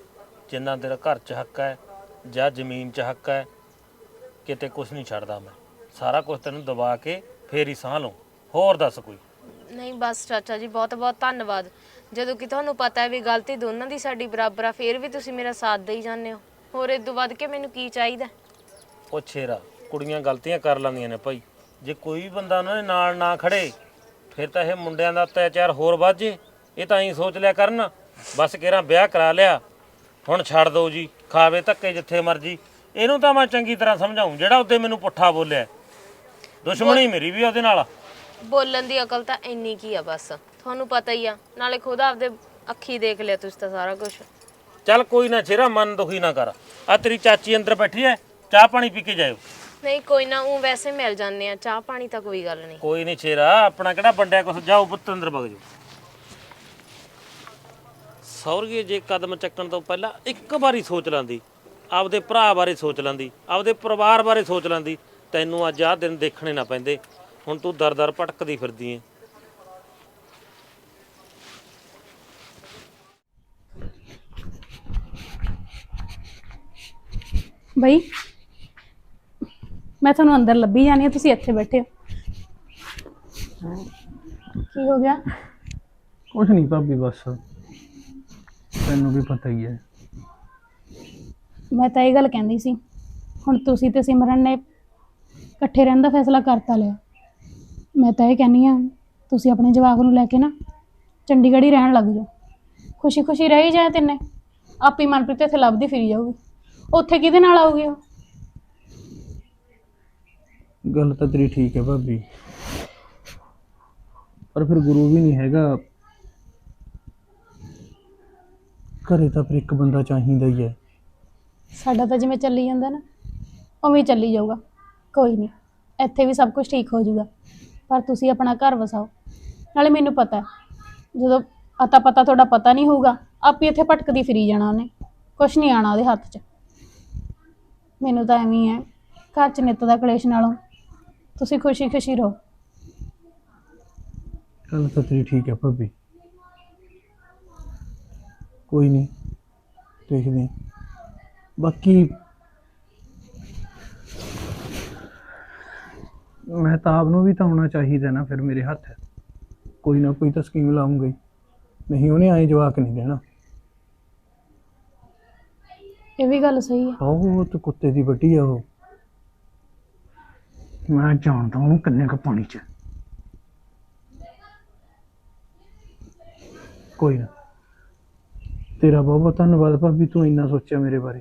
Speaker 2: ਜਿੰਨਾ ਤੇਰਾ ਘਰ 'ਚ ਹੱਕ ਹੈ ਜਾਂ ਜ਼ਮੀਨ 'ਚ ਹੱਕ ਹੈ, ਕਿਤੇ ਕੁਝ ਨਹੀਂ ਛੱਡਦਾ ਮੈਂ। ਸਾਰਾ ਕੁਝ ਤੈਨੂੰ ਦਬਾ ਕੇ ਫੇਰ ਹੀ ਸਾਹ ਲਊਂ। ਹੋਰ ਦੱਸ ਕੋਈ?
Speaker 1: ਨਹੀਂ ਬਸ ਚਾਚਾ ਜੀ, ਬਹੁਤ ਬਹੁਤ ਧੰਨਵਾਦ। ਜਦੋਂ ਕਿ ਤੁਹਾਨੂੰ ਪਤਾ ਹੈ ਵੀ ਗਲਤੀ ਦੋਨਾਂ ਦੀ ਸਾਡੀ ਬਰਾਬਰ ਆ, ਫੇਰ ਵੀ ਤੁਸੀਂ ਮੇਰਾ ਸਾਥ ਦੇਈ ਜਾਂਦੇ ਹੋ। ਹੋਰ ਇਹ ਤੋਂ ਵੱਧ ਕੇ ਮੈਨੂੰ ਕੀ ਚਾਹੀਦਾ?
Speaker 2: ਉਹ ਸ਼ੇਰਾ, ਕੁੜੀਆਂ ਗਲਤੀਆਂ ਕਰ ਲੈਂਦੀਆਂ ਨੇ ਭਾਈ। ਜੇ ਕੋਈ ਵੀ ਬੰਦਾ ਉਹਨਾਂ ਦੇ ਨਾਲ ਨਾ ਖੜੇ, ਫਿਰ ਤਾਂ ਇਹ ਮੁੰਡਿਆਂ ਦਾ ਅਤਿਆਚਾਰ ਹੋਰ ਵੱਧ ਜੇ। ਇਹ ਤਾਂ ਐਂ ਸੋਚ ਲਿਆ ਕਰਨ ਬਸ ਕਿਹੜਾ ਵਿਆਹ ਕਰਾ ਲਿਆ, ਹੁਣ ਛੱਡ ਦਿਓ ਜੀ, ਖਾਵੇ ਧੱਕੇ ਜਿੱਥੇ ਮਰਜੀ। ਇਹਨੂੰ ਤਾਂ ਮੈਂ ਚੰਗੀ ਤਰ੍ਹਾਂ ਸਮਝਾਉਂ, ਜਿਹੜਾ ਉਹਦੇ ਮੈਨੂੰ ਪੁੱਠਾ ਬੋਲਿਆ। ਦੁਸ਼ਮਣੀ ਮੇਰੀ ਵੀ ਉਹਦੇ ਨਾਲ।
Speaker 1: ਬੋਲਣ ਦੀ ਅਕਲ ਤਾਂ ਇੰਨੀ ਕੀ ਆ, ਬਸ ਤੁਹਾਨੂੰ ਪਤਾ ਹੀ ਆ। ਨਾਲੇ ਖੁਦ ਆਪਦੇ ਅੱਖੀ ਦੇਖ ਲਿਆ ਤੁਸੀਂ ਤਾਂ ਸਾਰਾ ਕੁਝ।
Speaker 2: ਚੱਲ ਕੋਈ ਨਾ ਸ਼ੇਰਾ, ਮਨ ਦੁਖੀ ਨਾ ਕਰ। ਆ ਤੇਰੀ ਚਾਚੀ ਅੰਦਰ ਬੈਠੀ ਐ, ਚਾਹ ਪਾਣੀ ਪੀ ਕੇ ਜਾਇਓ।
Speaker 1: ਨਹੀਂ ਕੋਈ ਨਾ, ਉਹ ਵੈਸੇ ਮਿਲ ਜਾਂਦੇ ਆ, ਚਾਹ ਪਾਣੀ ਤਾਂ ਕੋਈ ਗੱਲ ਨਹੀਂ।
Speaker 2: ਕੋਈ ਨਹੀਂ ਸ਼ੇਰਾ, ਆਪਣਾ ਕਿਹੜਾ ਵੰਡਿਆ ਕੁਛ। ਜਾਓ ਪੁੱਤ ਅੰਦਰ ਵਗ ਜਾਓ। ਸੌਰਗੇ ਜੇ ਕਦਮ ਚੱਕਣ ਤੋਂ ਪਹਿਲਾਂ ਇੱਕ ਵਾਰੀ ਸੋਚ ਲੈਂਦੀ, ਆਪਦੇ ਭਰਾ ਬਾਰੇ ਸੋਚ ਲੈਂਦੀ, ਆਪਦੇ ਪਰਿਵਾਰ ਬਾਰੇ ਸੋਚ ਲੈਂਦੀ, ਤੈਨੂੰ ਅੱਜ ਆਹ ਦਿਨ ਦੇਖਣੇ ਨਾ ਪੈਂਦੇ। ਹੁਣ ਤੂੰ ਦਰ ਦਰ ਭਟਕਦੀ ਫਿਰਦੀ ਐ।
Speaker 5: ਬਈ ਮੈਂ ਤੁਹਾਨੂੰ ਅੰਦਰ ਲੱਭੀ ਜਾਣੀ ਆ, ਤੁਸੀਂ ਇੱਥੇ ਬੈਠੇ ਹੋ। ਕੀ ਹੋ ਗਿਆ?
Speaker 6: ਕੁਛ ਨਹੀਂ ਭਾਬੀ, ਬਸ ਤੈਨੂੰ ਵੀ ਪਤਾ ਹੀ ਹੈ।
Speaker 5: ਮੈਂ ਤਾਂ ਇਹ ਗੱਲ ਕਹਿੰਦੀ ਸੀ, ਹੁਣ ਤੁਸੀਂ ਤੇ ਸਿਮਰਨ ਨੇ ਇਕੱਠੇ ਰਹਿਣ ਦਾ ਫੈਸਲਾ ਕਰਤਾ ਲਿਆ। ਮੈਂ ਤਾਂ ਇਹ ਕਹਿੰਦੀ ਆ, ਤੁਸੀਂ ਆਪਣੇ ਜਵਾਕ ਨੂੰ ਲੈ ਕੇ ਨਾ ਚੰਡੀਗੜ੍ਹ ਹੀ ਰਹਿਣ ਲੱਗ ਜਾਓ। ਖੁਸ਼ੀ ਖੁਸ਼ੀ ਰਹੀ ਜਾਏ ਤਿੰਨੇ, ਆਪੀ ਮਨਪ੍ਰੀਤ ਇੱਥੇ ਲੱਭਦੀ ਫਿਰੀ ਜਾਊਗੀ। ਉੱਥੇ ਕਿਹਦੇ ਨਾਲ ਆਊਗੀ ਉਹ?
Speaker 6: ਗੱਲ ਤਾਂ ਤੇਰੀ ਠੀਕ ਹੈ ਭਾਬੀ, ਪਰ ਫਿਰ ਗੁਰੂ ਵੀ ਨਹੀਂ ਹੈਗਾ ਘਰੇ, ਤਾਂ ਫਿਰ ਇੱਕ ਬੰਦਾ ਚਾਹੀਦਾ ਹੀ ਹੈ।
Speaker 5: ਸਾਡਾ ਤਾਂ ਜਿਵੇਂ ਚੱਲੀ ਜਾਂਦਾ ਨਾ ਉਵੇਂ ਹੀ ਚੱਲੀ ਜਾਊਗਾ, ਕੋਈ ਨਹੀਂ, ਇੱਥੇ ਵੀ ਸਭ ਕੁਝ ਠੀਕ ਹੋ ਜਾਊਗਾ। ਪਰ ਤੁਸੀਂ ਆਪਣਾ ਘਰ ਵਸਾਓ। ਨਾਲੇ ਮੈਨੂੰ ਪਤਾ ਹੈ, ਜਦੋਂ ਅਤਾ ਪਤਾ ਤੁਹਾਡਾ ਪਤਾ ਨਹੀਂ ਹੋਊਗਾ, ਆਪੇ ਇੱਥੇ ਭਟਕਦੀ ਫਿਰੀ ਜਾਣਾ ਉਹਨੇ, ਕੁਛ ਨਹੀਂ ਆਣਾ ਉਹਦੇ ਹੱਥ 'ਚ। ਮੈਨੂੰ ਤਾਂ ਐਵੇਂ ਹੀ ਹੈ, ਘਰ 'ਚ ਨਿੱਤ ਦਾ ਕਲੇਸ਼ ਨਾਲੋਂ ਤੁਸੀਂ ਖੁਸ਼ੀ ਖੁਸ਼ੀ ਰਹੋ।
Speaker 6: ਗੱਲ ਤਾਂ ਤੇਰੀ ਠੀਕ ਹੈ ਭਾਬੀ, ਕੋਈ ਨਹੀਂ, ਦੇਖਦੇ ਹਾਂ। ਬਾਕੀ ਮਹਿਤਾਬ ਨੂੰ ਵੀ ਤਾਂ ਆਉਣਾ ਚਾਹੀਦਾ ਨਾ ਫਿਰ ਮੇਰੇ ਹੱਥ, ਕੋਈ ਨਾ ਕੋਈ ਤਾਂ ਸਕੀਮ ਲਾਉਂਗਾ ਹੀ, ਨਹੀਂ ਉਹਨੇ ਐਂ ਜਵਾਕ ਨਹੀਂ ਦੇਣਾ।
Speaker 5: ਇਹ ਵੀ ਗੱਲ ਸਹੀ ਹੈ।
Speaker 6: ਉਹ ਤੇ ਕੁੱਤੇ ਦੀ ਵੱਡੀ ਆ ਉਹ, ਮੈਂ ਜਾਣਦਾ ਉਹਨੂੰ ਕਿੰਨੇ ਕੁ ਪਾਣੀ 'ਚ। ਕੋਈ ਨਾ, ਤੇਰਾ ਬਹੁਤ ਬਹੁਤ ਧੰਨਵਾਦ ਭਾਬੀ, ਤੂੰ ਇੰਨਾ ਸੋਚਿਆ ਮੇਰੇ ਬਾਰੇ।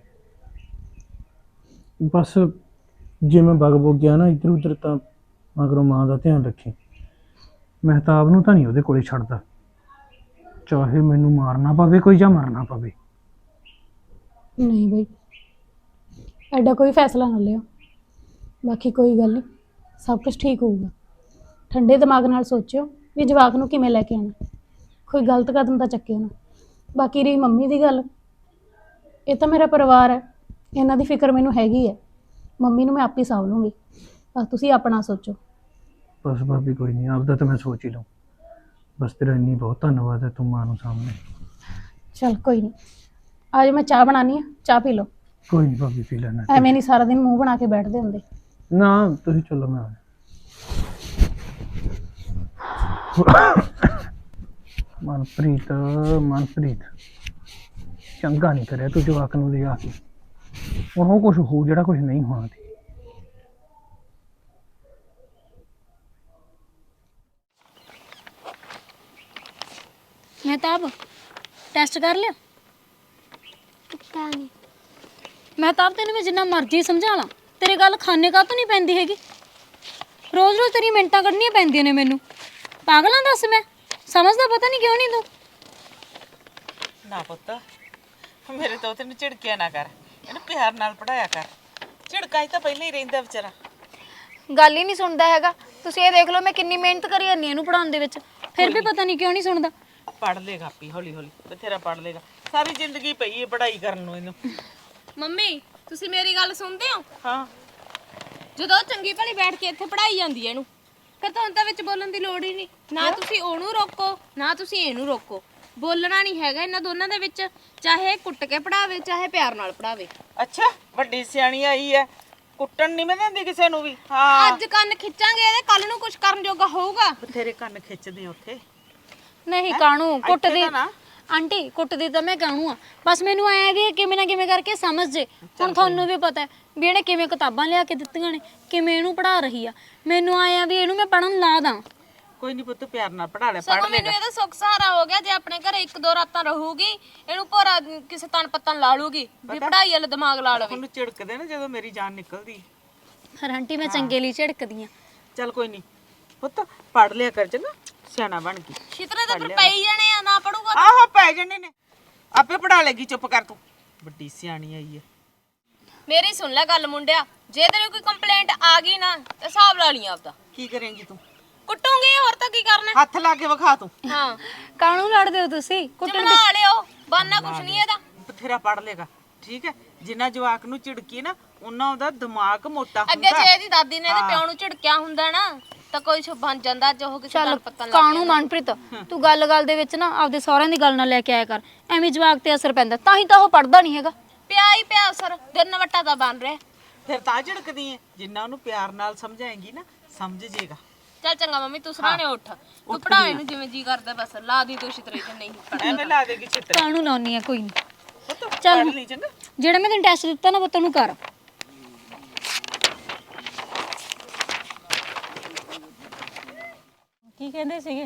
Speaker 6: ਬਸ ਜੇ ਮੈਂ ਬਗ ਬੁੱਗ ਗਿਆ ਨਾ ਇੱਧਰ ਉੱਧਰ, ਤਾਂ ਮਗਰੋਂ ਮਾਂ ਦਾ ਧਿਆਨ ਰੱਖੀ। ਮਹਿਤਾਬ ਨੂੰ ਤਾਂ ਨਹੀਂ ਉਹਦੇ ਕੋਲੇ ਛੱਡਦਾ, ਚਾਹੇ ਮੈਨੂੰ ਮਾਰਨਾ ਪਵੇ ਕੋਈ ਜਾਂ ਮਰਨਾ ਪਵੇ।
Speaker 5: ਨਹੀਂ ਬਈ, ਐਡਾ ਕੋਈ ਫੈਸਲਾ ਨਾ ਲਿਓ। ਬਾਕੀ ਕੋਈ ਗੱਲ ਨਹੀਂ, ਸਭ ਕੁਝ ਠੀਕ ਹੋਊਗਾ। ਠੰਡੇ ਦਿਮਾਗ ਨਾਲ ਸੋਚਿਓ ਵੀ ਜਵਾਕ ਨੂੰ ਕਿਵੇਂ ਲੈ ਕੇ ਆਉਣਾ, ਕੋਈ ਗਲਤ ਕਦਮ ਤਾਂ ਚੱਕਿਓ ਨਾ। ਬਾਕੀ ਰਹੀ ਮੰਮੀ ਦੀ ਗੱਲ, ਇਹ ਤਾਂ ਮੇਰਾ ਪਰਿਵਾਰ ਹੈ, ਇਹਨਾਂ ਦੀ ਫਿਕਰ ਮੈਨੂੰ ਹੈਗੀ ਹੈ। ਮੰਮੀ ਨੂੰ ਮੈਂ ਆਪੇ ਸਾਂਭ ਲੂੰਗੀ, ਬਸ ਤੁਸੀਂ ਆਪਣਾ ਸੋਚੋ।
Speaker 6: ਬਸ ਭਾਬੀ ਕੋਈ ਨਹੀਂ, ਆਪਦਾ ਤਾਂ ਮੈਂ ਸੋਚ ਹੀ ਲਊਂ। ਬਸ ਤੇਰਾ ਇੰਨੀ ਬਹੁਤ ਧੰਨਵਾਦ ਹੈ, ਤੂੰ ਮਾਂ ਨੂੰ ਸਾਹਮਣੇ।
Speaker 5: ਚਲ ਕੋਈ ਨਹੀਂ, ਅੱਜ ਮੈਂ ਚਾਹ ਬਣਾਉਣੀ ਆ, ਚਾਹ ਪੀ ਲਓ।
Speaker 6: ਕੋਈ ਨਹੀਂ ਭਾਬੀ, ਪੀ ਲੈਣਾ।
Speaker 5: ਐਵੇਂ ਨਹੀਂ ਸਾਰਾ ਦਿਨ ਮੂੰਹ ਬਣਾ ਕੇ ਬੈਠਦੇ ਹੁੰਦੇ।
Speaker 6: ਨਾ ਤੁਸੀਂ ਚਲੋ, ਮੈਂ ਆ ਮਨਪ੍ਰੀਤ, ਮਨਪ੍ਰੀਤ ਚੰਗਾ ਨਹੀਂ ਕਰਿਆ ਤੂੰ ਜਵਾਕ ਨੂੰ ਲਿਆ ਕੇ। ਹੁਣ ਉਹ ਕੁਝ ਹੋ ਜਿਹੜਾ ਕੁਝ ਨਹੀਂ ਹੋਣਾ ਸੀ।
Speaker 3: ਮਹਿਤਾਬ ਟੈਸਟ ਕਰ ਲਿਆ?
Speaker 1: ਪਤਾ ਨਹੀਂ।
Speaker 3: ਮਹਿਤਾਬ ਤੈਨੂੰ ਮੈਂ ਜਿੰਨਾ ਮਰਜ਼ੀ ਸਮਝਾ ਲਾਂ, ਤੇਰੇ ਗੱਲ ਖਾਨੇ ਕਾ ਤੋਂ ਨਹੀਂ ਪੈਂਦੀ ਹੈਗੀ। ਰੋਜ਼ ਰੋਜ਼ ਤੇਰੀ ਮਿੰਟਾਂ ਕੱਢਣੀਆਂ ਪੈਂਦੀਆਂ ਨੇ ਮੈਨੂੰ। ਪਾਗਲਾਂ ਦੱਸ, ਮੈਂ ਸਮਝਦਾ ਪਤਾ ਨਹੀਂ ਕਿਉਂ ਨਹੀਂ ਤੂੰ।
Speaker 8: ਨਾ ਪੁੱਤ, ਮੇਰੇ ਤੋਂ ਤੈਨੂੰ ਝਿੜਕਿਆ ਨਾ ਕਰ, ਇਹਨੂੰ ਪਿਆਰ ਨਾਲ ਪੜਾਇਆ ਕਰ। ਝਿੜਕਾਂ ਹੀ ਤਾਂ ਪਹਿਲਾਂ ਹੀ ਰਹਿੰਦਾ ਵਿਚਾਰਾ।
Speaker 3: ਗੱਲ ਹੀ ਨਹੀਂ ਸੁਣਦਾ ਹੈਗਾ। ਤੁਸੀਂ ਇਹ ਦੇਖ ਲਓ, ਮੈਂ ਕਿੰਨੀ ਮਿਹਨਤ ਕਰੀ ਜਾਂਦੀ ਇਹਨੂੰ ਪੜਾਉਣ ਦੇ ਵਿੱਚ, ਫਿਰ ਵੀ ਪਤਾ ਨਹੀਂ ਕਿਉਂ ਨਹੀਂ ਸੁਣਦਾ।
Speaker 8: ਪੜ ਲੇਗਾ ਆਪੀ, ਹੌਲੀ ਹੌਲੀ ਬਥੇਰਾ ਪੜ ਲੇਗਾ। ਸਾਰੀ ਜ਼ਿੰਦਗੀ ਪਈ ਹੈ ਪੜਾਈ ਕਰਨ ਨੂੰ ਇਹਨੂੰ।
Speaker 1: ਮੰਮੀ ਤੁਸੀਂ ਮੇਰੀ ਗੱਲ ਸੁਣਦੇ ਹੋ?
Speaker 8: ਹਾਂ,
Speaker 1: ਜਦੋਂ ਉਹ ਚੰਗੀ ਭਲੀ ਬੈਠ ਕੇ ਇੱਥੇ ਪੜਾਈ ਜਾਂਦੀ ਹੈ ਇਹਨੂੰ, ਫਿਰ ਤੁਹਾਨੂੰ ਤਾਂ ਵਿੱਚ ਬੋਲਣ ਦੀ ਲੋੜ ਹੀ ਨਹੀਂ। ਨਾ ਤੁਸੀਂ ਉਹਨੂੰ ਰੋਕੋ, ਨਾ ਤੁਸੀਂ ਇਹਨੂੰ ਰੋਕੋ। ਬੋਲਣਾ ਨਹੀਂ ਹੈਗਾ ਇਹਨਾਂ ਦੋਨਾਂ ਦੇ ਵਿੱਚ, ਚਾਹੇ ਕੁੱਟ ਕੇ ਪੜਾਵੇ ਚਾਹੇ ਪਿਆਰ ਨਾਲ ਪੜਾਵੇ।
Speaker 8: ਅੱਛਾ ਵੱਡੀ ਸਿਆਣੀ ਆਈ ਹੈ, ਕੁੱਟਣ ਨਹੀਂ ਮੈਂ ਦਿੰਦੀ ਕਿਸੇ ਨੂੰ ਵੀ। ਹਾਂ,
Speaker 1: ਅੱਜ ਕੰਨ ਖਿੱਚਾਂਗੇ ਇਹਦੇ, ਕੱਲ ਨੂੰ ਕੁਝ ਕਰਨ ਜੋਗਾ ਹੋਊਗਾ।
Speaker 8: ਬਥੇਰੇ ਕੰਨ ਖਿੱਚਦੇ ਉੱਥੇ।
Speaker 3: ਨਹੀਂ ਕਾਣੂ ਕੁੱਟਦੀ
Speaker 8: ਤਾਂ ਨਾ।
Speaker 3: ਆਂਟੀ, ਕੁੱਟਦੀ ਤਾਂ ਮੈਂ ਕਾਣੂ ਆ, ਬਸ ਮੈਨੂੰ ਐ ਵੀ ਕਿਵੇਂ ਨਾ ਕਿਵੇਂ ਕਰਕੇ ਸਮਝ ਜੇ। ਹੁਣ ਤੁਹਾਨੂੰ ਵੀ ਪਤਾ ਵੀ ਇਹਨੇ ਕਿਵੇਂ ਕਿਤਾਬਾਂ ਲਿਆ ਕੇ ਦਿੱਤੀਆਂ ਨੇ, ਕਿਵੇਂ ਇਹਨੂੰ ਪੜਾ ਰਹੀ ਆ। ਮੈਨੂੰ ਆਇਆ ਵੀ ਇਹਨੂੰ ਮੈਂ ਪੜਨ ਲਾ ਦਾਂ।
Speaker 8: ਕੋਈ ਨਹੀਂ ਪੁੱਤ, ਪਿਆਰ ਨਾਲ ਪੜਾ ਲੈ, ਪੜ
Speaker 1: ਸਗੋਂ ਮੈਨੂੰ
Speaker 8: ਲੇਗਾ।
Speaker 1: ਇਹਦਾ ਸੁੱਖ ਸਹਾਰਾ ਹੋ ਗਿਆ। ਜੇ ਆਪਣੇ ਘਰੇ ਇੱਕ ਦੋ ਰਾਤਾਂ ਰਹੂਗੀ, ਇਹਨੂੰ ਭੋਰਾ ਕਿਸੇ ਤਨ ਪੱਤਨ ਲਾ ਲੂਗੀ ਵੀ ਪੜਾਈ ਵਾਲਾ ਦਿਮਾਗ ਲਾ ਲਵੇ।
Speaker 8: ਉਹਨੂੰ ਝਿੜਕਦੇ ਨਾ ਜਦੋਂ ਮੇਰੀ ਜਾਨ ਨਿਕਲਦੀ।
Speaker 3: ਪਰ ਆਂਟੀ ਮੈਂ ਚੰਗੇ ਲਈ ਝਿੜਕਦੀ ਆ।
Speaker 8: ਚੱਲ ਕੋਈ ਨਹੀਂ ਪੁੱਤ, ਪੜ ਲਿਆ ਕਰ ਚੰਗਾ, ਸਿਆਣਾ ਬਣ ਗਈ।
Speaker 1: ਛਿਤਰੇ ਤਾਂ ਫਿਰ ਪਈ ਜਾਣੇ ਆ, ਨਾ ਪੜੂਗਾ।
Speaker 8: ਆਹੋ ਪੈ ਜਣੇ ਨੇ, ਆਪੇ ਪੜਾ ਲੇਗੀ, ਚੁੱਪ ਕਰ ਤੂੰ। ਵੱਡੀ ਸਿਆਣੀ ਆਈ ਹੈ।
Speaker 1: ਮੇਰੀ ਸੁਣ ਲੈ ਗੱਲ ਮੁੰਡਿਆ, ਜੇ ਤੇਰੇ ਕੋਈ ਕੰਪਲੇਂਟ ਆ ਗਈ ਨਾ ਤੇ ਹਿਸਾਬ ਲਾ ਲਈ ਆਪਦਾ।
Speaker 8: ਕੀ ਕਰੇਂਗੀ ਤੂੰ?
Speaker 1: ਕੁੱਟੂਗੀ, ਹੋਰ ਤਾਂ ਕੀ ਕਰਨਾ।
Speaker 8: ਹੱਥ ਲਾ ਕੇ ਵਿਖਾ ਤੂੰ।
Speaker 1: ਹਾਂ,
Speaker 3: ਕਾਣੂ ਲੜਦੇ ਹੋ ਤੁਸੀਂ?
Speaker 1: ਚਮਲਾ ਲਿਓ, ਬਾਨਾ ਕੁਛ ਨਹੀਂ ਇਹਦਾ।
Speaker 8: ਬਥੇਰਾ ਪੜ ਲੇਗਾ, ਠੀਕ ਹੈ। ਜਿੰਨਾ ਜਵਾਕ ਨੂੰ ਝਿੜਕੀ ਨਾ, ਉਹਨਾਂ ਉਹਦਾ ਦਿਮਾਗ ਮੋਟਾ
Speaker 1: ਅੱਗੇ
Speaker 8: ਹੁੰਦਾ।
Speaker 1: ਜੇ ਇਹਦੀ ਦਾਦੀ ਨੇ ਇਹਦੇ ਪਿਓ ਨੂੰ ਝਿੜਕਿਆ ਹੁੰਦਾ ਨਾ, ਤਾਂ ਕੋਈ ਬਣ ਜਾਂਦਾ ਜੋ ਉਹ ਕਿਸੇ
Speaker 3: ਚੱਲ
Speaker 1: ਤਨ ਪੱਤਨ ਲਾ
Speaker 3: ਕਾਣੂ ਮਨਪ੍ਰੀਤ, ਤੂੰ ਗੱਲ-ਗੱਲ ਦੇ ਵਿੱਚ ਨਾ ਆਪਦੇ ਸਹੁਰਿਆਂ ਦੀ ਗੱਲ ਨਾ ਲੈ ਕੇ ਆਇਆ ਕਰ। ਐਵੇਂ ਜਵਾਕ ਤੇ ਅਸਰ ਪੈਂਦਾ, ਤਾਂ ਹੀ ਤਾਂ ਉਹ ਪੜਦਾ ਨਹੀਂ ਹੈਗਾ।
Speaker 1: ਪਿਆ ਹੀ ਪਿਆ ਅਸਰ, ਦਿਨ ਵਟਾ ਦਾ ਬਣ ਰਿਹਾ।
Speaker 8: ਫਿਰ ਤਾਂ ਝਿੜਕਦੀ ਐ। ਜਿੰਨਾ ਉਹਨੂੰ ਪਿਆਰ ਨਾਲ ਸਮਝਾਏਂਗੀ ਨਾ ਸਮਝ ਜੇਗਾ।
Speaker 1: ਚੱਲ ਚੰਗਾ ਮੰਮੀ ਤੂੰ ਸਰਾਣੇ ਉੱਠ, ਤੂੰ ਪੜਾ ਇਹਨੂੰ ਜਿਵੇਂ ਜੀ ਕਰਦਾ, ਬਸ ਲਾ ਦੀ ਤੂੰ ਛਿੱਤਰੇ ਚ ਨਹੀਂ ਪੜਾ।
Speaker 8: ਐਵੇਂ ਲਾ ਦੇਗੀ ਛਿੱਤਰ।
Speaker 3: ਕਾਹਨੂੰ ਲਾਉਣੀ ਆ ਕੋਈ ਨਹੀਂ।
Speaker 8: ਪੁੱਤ
Speaker 3: ਚੱਲ।
Speaker 8: ਪੜ੍ਹ ਲਈ ਚੰਗਾ।
Speaker 3: ਜਿਹੜਾ ਮੈਂ ਤੈਨੂੰ ਟੈਸਟ ਦਿੱਤਾ ਨਾ ਪੁੱਤ ਨੂੰ ਕਰ।
Speaker 4: ਕੀ ਕਹਿੰਦੇ ਸੀਗੇ?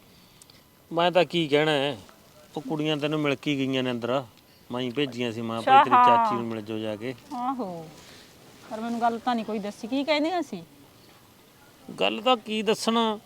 Speaker 2: ਮੈਂ ਤਾਂ ਕੀ ਕਹਿਣਾ ਹੈ, ਉਹ ਕੁੜੀਆਂ ਤੈਨੂੰ ਮਿਲ ਕੇ ਗਈਆਂ ਨੇ ਅੰਦਰ, ਮੈਂ ਹੀ ਭੇਜੀਆਂ ਸੀ। ਮੈਂ ਭਾਈ ਤੇਰੀ ਚਾਚੀ ਨੂੰ ਮਿਲ ਜੋ ਜਾ ਕੇ।
Speaker 4: ਆਹੋ, ਪਰ ਮੈਨੂੰ ਗੱਲ ਤਾਂ ਨਹੀਂ ਕੋਈ ਦੱਸੀ, ਕੀ ਕਹਿੰਦੀਆਂ ਸੀ?
Speaker 2: ਗੱਲ ਤਾਂ ਕੀ ਦੱਸਣਾ,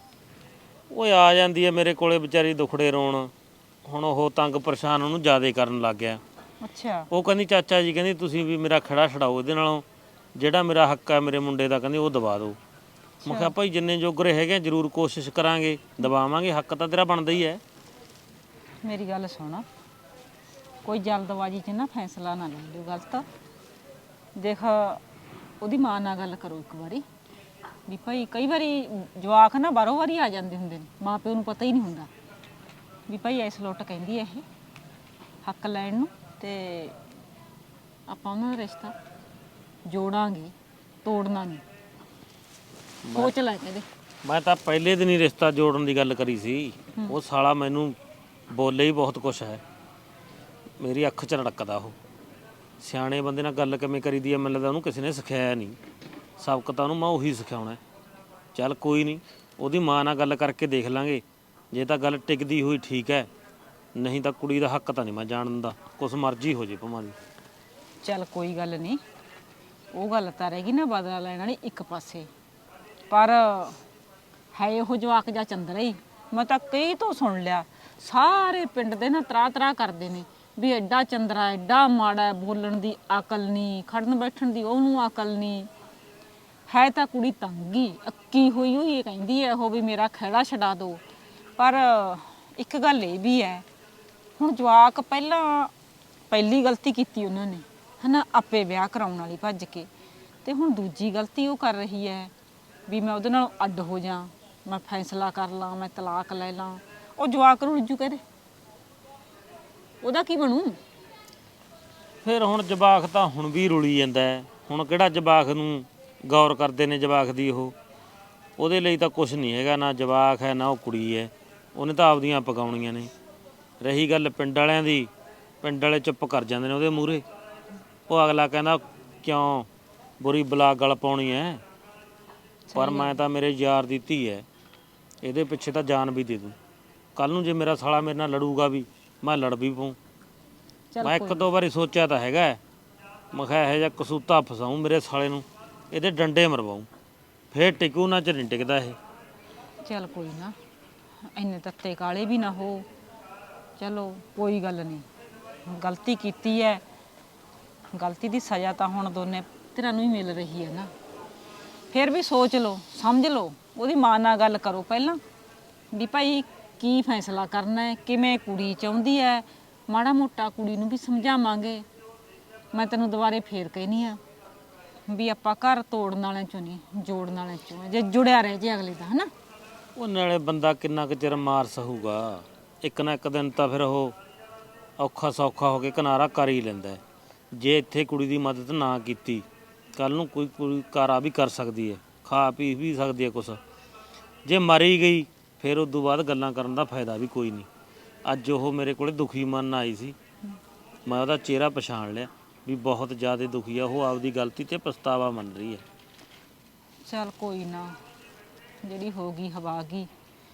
Speaker 2: ਉਹ ਆ ਜਾਂਦੀ ਹੈ ਮੇਰੇ ਕੋਲੇ ਵਿਚਾਰੀ ਦੁਖੜੇ ਰੋਣ। ਹੁਣ ਉਹ ਤੰਗ ਪਰੇਸ਼ਾਨ ਉਹਨੂੰ ਜ਼ਿਆਦਾ ਕਰਨ ਲੱਗ ਗਿਆ।
Speaker 4: ਅੱਛਾ।
Speaker 2: ਉਹ ਕਹਿੰਦੀ ਚਾਚਾ ਜੀ, ਕਹਿੰਦੀ ਤੁਸੀਂ ਵੀ ਮੇਰਾ ਖੜਾ ਛਡਾਓ ਇਹਦੇ ਨਾਲੋਂ, ਜਿਹੜਾ ਮੇਰਾ ਹੱਕ ਹੈ ਮੇਰੇ ਮੁੰਡੇ ਦਾ, ਕਹਿੰਦੀ ਉਹ ਦਬਾ ਦਿਓ। ਮੈਂ ਕਿਹਾ ਭਾਈ ਜਿੰਨੇ ਜੋਗਰੇ ਹੈਗੇ ਜ਼ਰੂਰ ਕੋਸ਼ਿਸ਼ ਕਰਾਂਗੇ, ਦਬਾਵਾਂਗੇ, ਹੱਕ ਤਾਂ ਤੇਰਾ ਬਣਦਾ ਹੀ ਹੈ।
Speaker 4: ਮੇਰੀ ਗੱਲ ਸੁਣ, ਕੋਈ ਜਲਦਬਾਜ਼ੀ 'ਚ ਨਾ ਫੈਸਲਾ ਨਾ ਲੈ ਲਿਓ ਗਲਤ। ਦੇਖ, ਉਹਦੀ ਮਾਂ ਨਾਲ ਗੱਲ ਕਰੋ ਇੱਕ ਵਾਰੀ ਵੀ ਭਾਈ ਕਈ ਵਾਰੀ ਜਵਾਕ ਨਾ ਬਾਰੋ ਵਾਰੀ ਆ ਜਾਂਦੇ ਹੁੰਦੇ ਨੇ, ਮਾਂ ਪਿਓ ਨੂੰ ਪਤਾ ਹੀ ਨਹੀਂ ਹੁੰਦਾ ਵੀ ਭਾਈ ਇਸ ਲੁੱਟ ਕਹਿੰਦੀ ਹੈ ਇਹ ਹੱਕ ਲੈਣ ਨੂੰ, ਤੇ ਆਪਾਂ ਉਹਨਾਂ ਦਾ ਰਿਸ਼ਤਾ ਜੋੜਾਂਗੇ, ਤੋੜਨਾ ਨਹੀਂ। ਸੋਚ ਲੈ ਕਹਿੰਦੇ।
Speaker 2: ਮੈਂ ਤਾਂ ਪਹਿਲੇ ਦਿਨ ਹੀ ਰਿਸ਼ਤਾ ਜੋੜਨ ਦੀ ਗੱਲ ਕਰੀ ਸੀ। ਉਹ ਸਾਲਾ ਮੈਨੂੰ ਬੋਲੇ ਹੀ ਬਹੁਤ ਕੁਛ ਹੈ, ਮੇਰੀ ਅੱਖ 'ਚ ਰੜਕਦਾ ਉਹ। ਸਿਆਣੇ ਬੰਦੇ ਨਾਲ ਗੱਲ ਕਿਵੇਂ ਕਰੀਦੀ ਹੈ, ਮੈਨੂੰ ਲੱਗਦਾ ਉਹਨੂੰ ਕਿਸੇ ਨੇ ਸਿਖਾਇਆ ਨਹੀਂ। ਸਬਕ ਤਾਂ ਉਹਨੂੰ ਮੈਂ ਉਹੀ ਸਿਖਾਉਣਾ। ਚੱਲ ਕੋਈ ਨਹੀਂ, ਉਹਦੀ ਮਾਂ ਨਾਲ ਗੱਲ ਕਰਕੇ ਦੇਖ ਲਾਂਗੇ, ਜੇ ਤਾਂ ਗੱਲ ਟਿਕਦੀ ਹੋਈ ਠੀਕ ਹੈ, ਨਹੀਂ ਤਾਂ ਕੁੜੀ ਦਾ ਹੱਕ ਤਾਂ ਨਹੀਂ ਮੈਂ ਜਾਣ ਦਿੰਦਾ, ਕੁਛ ਮਰਜ਼ੀ ਹੋ ਜੇ ਭਾਵੇਂ ਦੀ।
Speaker 4: ਚੱਲ ਕੋਈ ਗੱਲ ਨਹੀਂ, ਉਹ ਗੱਲ ਤਾਂ ਰਹਿ ਗਈ ਨਾ ਬਦਲਾ ਲੈਣ ਵਾਲੀ ਇੱਕ ਪਾਸੇ, ਪਰ ਹੈ ਉਹ ਜਵਾਕ ਜਾਂ ਚੰਦਰਾ ਹੀ। ਮੈਂ ਤਾਂ ਕਈ ਤੋਂ ਸੁਣ ਲਿਆ, ਸਾਰੇ ਪਿੰਡ ਦੇ ਨਾ ਤਰਾ ਤਰਾ ਕਰਦੇ ਨੇ ਵੀ ਐਡਾ ਚੰਦਰਾ, ਐਡਾ ਮਾੜਾ, ਬੋਲਣ ਦੀ ਅਕਲ ਨਹੀਂ, ਖੜਨ ਬੈਠਣ ਦੀ ਉਹਨੂੰ ਅਕਲ ਨਹੀਂ। ਹੈ ਤਾਂ ਕੁੜੀ ਤੰਗੀ ਅੱਕੀ ਹੋਈ ਹੋਈ ਇਹ ਕਹਿੰਦੀ ਹੈ ਉਹ ਵੀ ਮੇਰਾ ਖਹਿੜਾ ਛਡਾ ਦਿਓ। ਪਰ ਇੱਕ ਗੱਲ ਇਹ ਵੀ ਹੈ, ਹੁਣ ਜਵਾਕ ਪਹਿਲੀ ਗਲਤੀ ਕੀਤੀ ਉਹਨਾਂ ਨੇ, ਹਨਾ, ਆਪੇ ਵਿਆਹ ਕਰਾਉਣ ਵਾਲੀ ਭੱਜ ਕੇ, ਤੇ ਹੁਣ ਦੂਜੀ ਗਲਤੀ ਉਹ ਕਰ ਰਹੀ ਹੈ ਵੀ ਮੈਂ ਉਹਦੇ ਨਾਲ ਅੱਡ ਹੋ ਜਾ, ਮੈਂ ਫੈਸਲਾ ਕਰ ਲਾਂ, ਮੈਂ ਤਲਾਕ ਲੈ ਲਾਂ। ਉਹ ਜਵਾਕ ਰੁੱਝੂ ਕਹਦੇ, ਉਹਦਾ ਕੀ ਬਣੂ?
Speaker 2: ਫਿਰ ਹੁਣ ਜਵਾਕ ਤਾਂ ਹੁਣ ਵੀ ਰੁਲੀ ਜਾਂਦਾ ਹੈ। ਹੁਣ ਕਿਹੜਾ ਜਵਾਕ ਨੂੰ ਗੌਰ ਕਰਦੇ ਨੇ ਜਵਾਕ ਦੀ? ਉਹਦੇ ਲਈ ਤਾਂ ਕੁਛ ਨਹੀਂ ਹੈਗਾ, ਨਾ ਜਵਾਕ ਹੈ ਨਾ ਉਹ ਕੁੜੀ ਹੈ, ਉਹਨੇ ਤਾਂ ਆਪਦੀਆਂ ਪਕਾਉਣੀਆਂ ਨੇ। ਰਹੀ ਗੱਲ ਪਿੰਡ ਵਾਲਿਆਂ ਦੀ, ਪਿੰਡ ਵਾਲੇ ਚੁੱਪ ਕਰ ਜਾਂਦੇ ਨੇ ਉਹਦੇ ਮੂਹਰੇ। ਉਹ ਅਗਲਾ ਕਹਿੰਦਾ ਕਿਉਂ ਬੁਰੀ ਬਲਾ ਗਲ ਪਾਉਣੀ ਹੈ, ਪਰ ਮੈਂ ਤਾਂ ਮੇਰੇ ਯਾਰ ਦੀ ਧੀ ਹੈ, ਇਹਦੇ ਪਿੱਛੇ ਤਾਂ ਜਾਨ ਵੀ ਦੇ ਦੂੰ। ਕੱਲ ਨੂੰ ਜੇ ਮੇਰਾ ਸਾਲਾ ਮੇਰੇ ਨਾਲ ਲੜੂਗਾ ਵੀ, ਮੈਂ ਲੜ ਵੀ ਪਊਂ। ਮੈਂ ਇੱਕ ਦੋ ਵਾਰੀ ਸੋਚਿਆ ਤਾਂ ਹੈਗਾ, ਮੈਂ ਕਿਹਾ ਇਹੋ ਜਿਹਾ ਕਸੂਤਾ ਫਸਾਊਂ ਮੇਰੇ ਸਾਲੇ ਨੂੰ, ਇਹਦੇ ਡੰਡੇ ਮਰਵਾਊਂ, ਫੇਰ ਟਿਕੂ ਨਾ, ਚ ਨਹੀਂ ਟਿਕਦਾ ਇਹ।
Speaker 4: ਚੱਲ ਕੋਈ ਨਾ, ਇੰਨੇ ਤੱਤੇ ਕਾਲੇ ਵੀ ਨਾ ਹੋ। ਚਲੋ ਕੋਈ ਗੱਲ ਨਹੀਂ, ਗਲਤੀ ਕੀਤੀ ਹੈ, ਗਲਤੀ ਦੀ ਸਜ਼ਾ ਤਾਂ ਹੁਣ ਦੋਨੇ ਧਿਰਾਂ ਨੂੰ ਹੀ ਮਿਲ ਰਹੀ ਹੈ ਨਾ। ਫਿਰ ਵੀ ਸੋਚ ਲਓ, ਸਮਝ ਲਓ, ਉਹਦੀ ਮਾਂ ਨਾਲ ਗੱਲ ਕਰੋ ਪਹਿਲਾਂ ਵੀ ਭਾਈ ਕੀ ਫੈਸਲਾ ਕਰਨਾ ਹੈ, ਕਿਵੇਂ ਕੁੜੀ ਚਾਹੁੰਦੀ ਹੈ, ਮਾੜਾ ਮੋਟਾ ਕੁੜੀ ਨੂੰ ਵੀ ਸਮਝਾਵਾਂਗੇ। ਮੈਂ ਤੈਨੂੰ ਦੁਬਾਰੇ ਫੇਰ ਕਹਿਨੀ ਆ ਵੀ ਆਪਾਂ ਘਰ ਤੋੜਨ ਵਾਲਿਆਂ ਚੋਂ ਨਹੀਂ, ਜੋੜਨ ਵਾਲਿਆਂ ਚੋਂ, ਜੇ ਜੁੜਿਆ ਰਹਿ ਜੇ ਅਗਲੇ ਦਾ, ਹਨਾ।
Speaker 2: ਉਹ ਨਾਲੇ ਬੰਦਾ ਕਿੰਨਾ ਕੁ ਚਿਰ ਮਾਰ ਸਹੂਗਾ, ਇੱਕ ਨਾ ਇੱਕ ਦਿਨ ਤਾਂ ਫਿਰ ਉਹ ਔਖਾ ਸੌਖਾ ਹੋ ਕੇ ਕਿਨਾਰਾ ਕਰ ਹੀ ਲੈਂਦਾ। ਜੇ ਇੱਥੇ ਕੁੜੀ ਦੀ ਮਦਦ ਨਾ ਕੀਤੀ, ਕੱਲ ਨੂੰ ਕੋਈ ਕੁੜੀ ਕਾਰਾ ਵੀ ਕਰ ਸਕਦੀ ਹੈ, ਖਾ ਪੀ ਵੀ ਸਕਦੀ ਹੈ ਕੁਛ। ਜੇ ਮਰੀ ਗਈ ਫਿਰ ਉਦੋਂ ਬਾਅਦ ਗੱਲਾਂ ਕਰਨ ਦਾ ਫਾਇਦਾ ਵੀ ਕੋਈ ਨਹੀਂ। ਅੱਜ ਉਹ ਮੇਰੇ ਕੋਲੇ ਦੁਖੀ ਮਨ ਆਈ ਸੀ, ਮੈਂ ਉਹਦਾ ਚਿਹਰਾ ਪਛਾਣ ਲਿਆ ਵੀ ਬਹੁਤ ਜ਼ਿਆਦਾ ਦੁਖੀ ਆ ਉਹ, ਆਪਦੀ ਗਲਤੀ ਤੇ ਪਛਤਾਵਾ ਮੰਨ ਰਹੀ ਹੈ।
Speaker 4: ਚੱਲ ਕੋਈ ਨਾ, ਜਿਹੜੀ ਹੋ ਗਈ ਹਵਾ ਗਈ।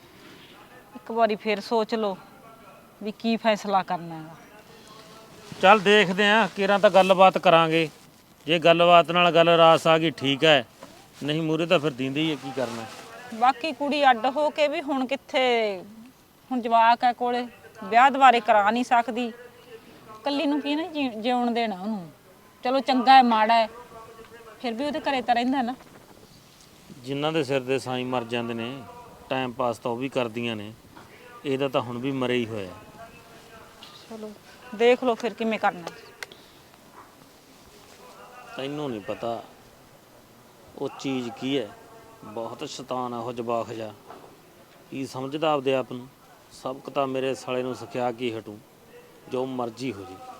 Speaker 4: ਇੱਕ ਵਾਰੀ ਫਿਰ ਸੋਚ ਲਓ ਵੀ ਕੀ ਫੈਸਲਾ ਕਰਨਾ ਹੈਗਾ।
Speaker 2: ਚੱਲ ਦੇਖਦੇ ਆਂ, ਕੇਰਾਂ ਤਾਂ ਗੱਲਬਾਤ ਕਰਾਂਗੇ, ਜੇ ਗੱਲਬਾਤ ਨਾਲ ਗੱਲ ਰਾਸ ਆ ਗਈ ਠੀਕ ਹੈ, ਨਹੀਂ ਮੂਹਰੇ ਤਾਂ ਫਿਰ ਦਿੰਦੇ ਹੀ ਹੈ, ਕੀ ਕਰਨਾ।
Speaker 4: ਬਾਕੀ ਕੁੜੀ ਅੱਡ ਹੋ ਕੇ ਵੀ ਹੁਣ ਕਿੱਥੇ, ਹੁਣ ਜਵਾਕ ਹੈ ਕੋਲੇ, ਵਿਆਹ ਦੁਬਾਰੇ ਕਰਾ ਨਹੀਂ ਸਕਦੀ, ਕੱਲੀ ਨੂੰ ਕੀ ਨਾ ਜਿਉਣ ਦੇਣਾ ਉਹਨੂੰ। ਚਲੋ ਚੰਗਾ ਹੈ ਮਾੜਾ ਹੈ, ਫਿਰ ਵੀ ਉਹਦੇ ਘਰੇ ਤਾਂ ਰਹਿੰਦਾ ਨਾ।
Speaker 2: ਜਿਨ੍ਹਾਂ ਦੇ ਸਿਰ ਦੇ ਸਾਈਂ ਮਰ ਜਾਂਦੇ ਨੇ, ਟਾਈਮ ਪਾਸ ਤਾਂ ਉਹ ਵੀ ਕਰਦੀਆਂ ਨੇ, ਇਹਦਾ ਤਾਂ ਹੁਣ ਵੀ ਮਰੇ ਹੀ ਹੋਇਆ।
Speaker 4: ਚਲੋ ਦੇਖ ਲਓ ਫਿਰ ਕਿਵੇਂ ਕਰਨਾ।
Speaker 2: ਤੈਨੂੰ ਨਹੀਂ ਪਤਾ ਉਹ ਚੀਜ਼ ਕੀ ਹੈ, ਬਹੁਤ ਸ਼ੈਤਾਨ ਆ ਉਹ ਜਵਾਕ ਜਾ, ਕੀ ਸਮਝਦਾ ਆਪਦੇ ਆਪ ਨੂੰ। ਸਬਕ ਤਾਂ ਮੇਰੇ ਸਾਲੇ ਨੂੰ ਸਿਖਾ ਕੇ ਹਟੂ, ਜੋ ਮਰਜ਼ੀ ਹੋ ਜੇ।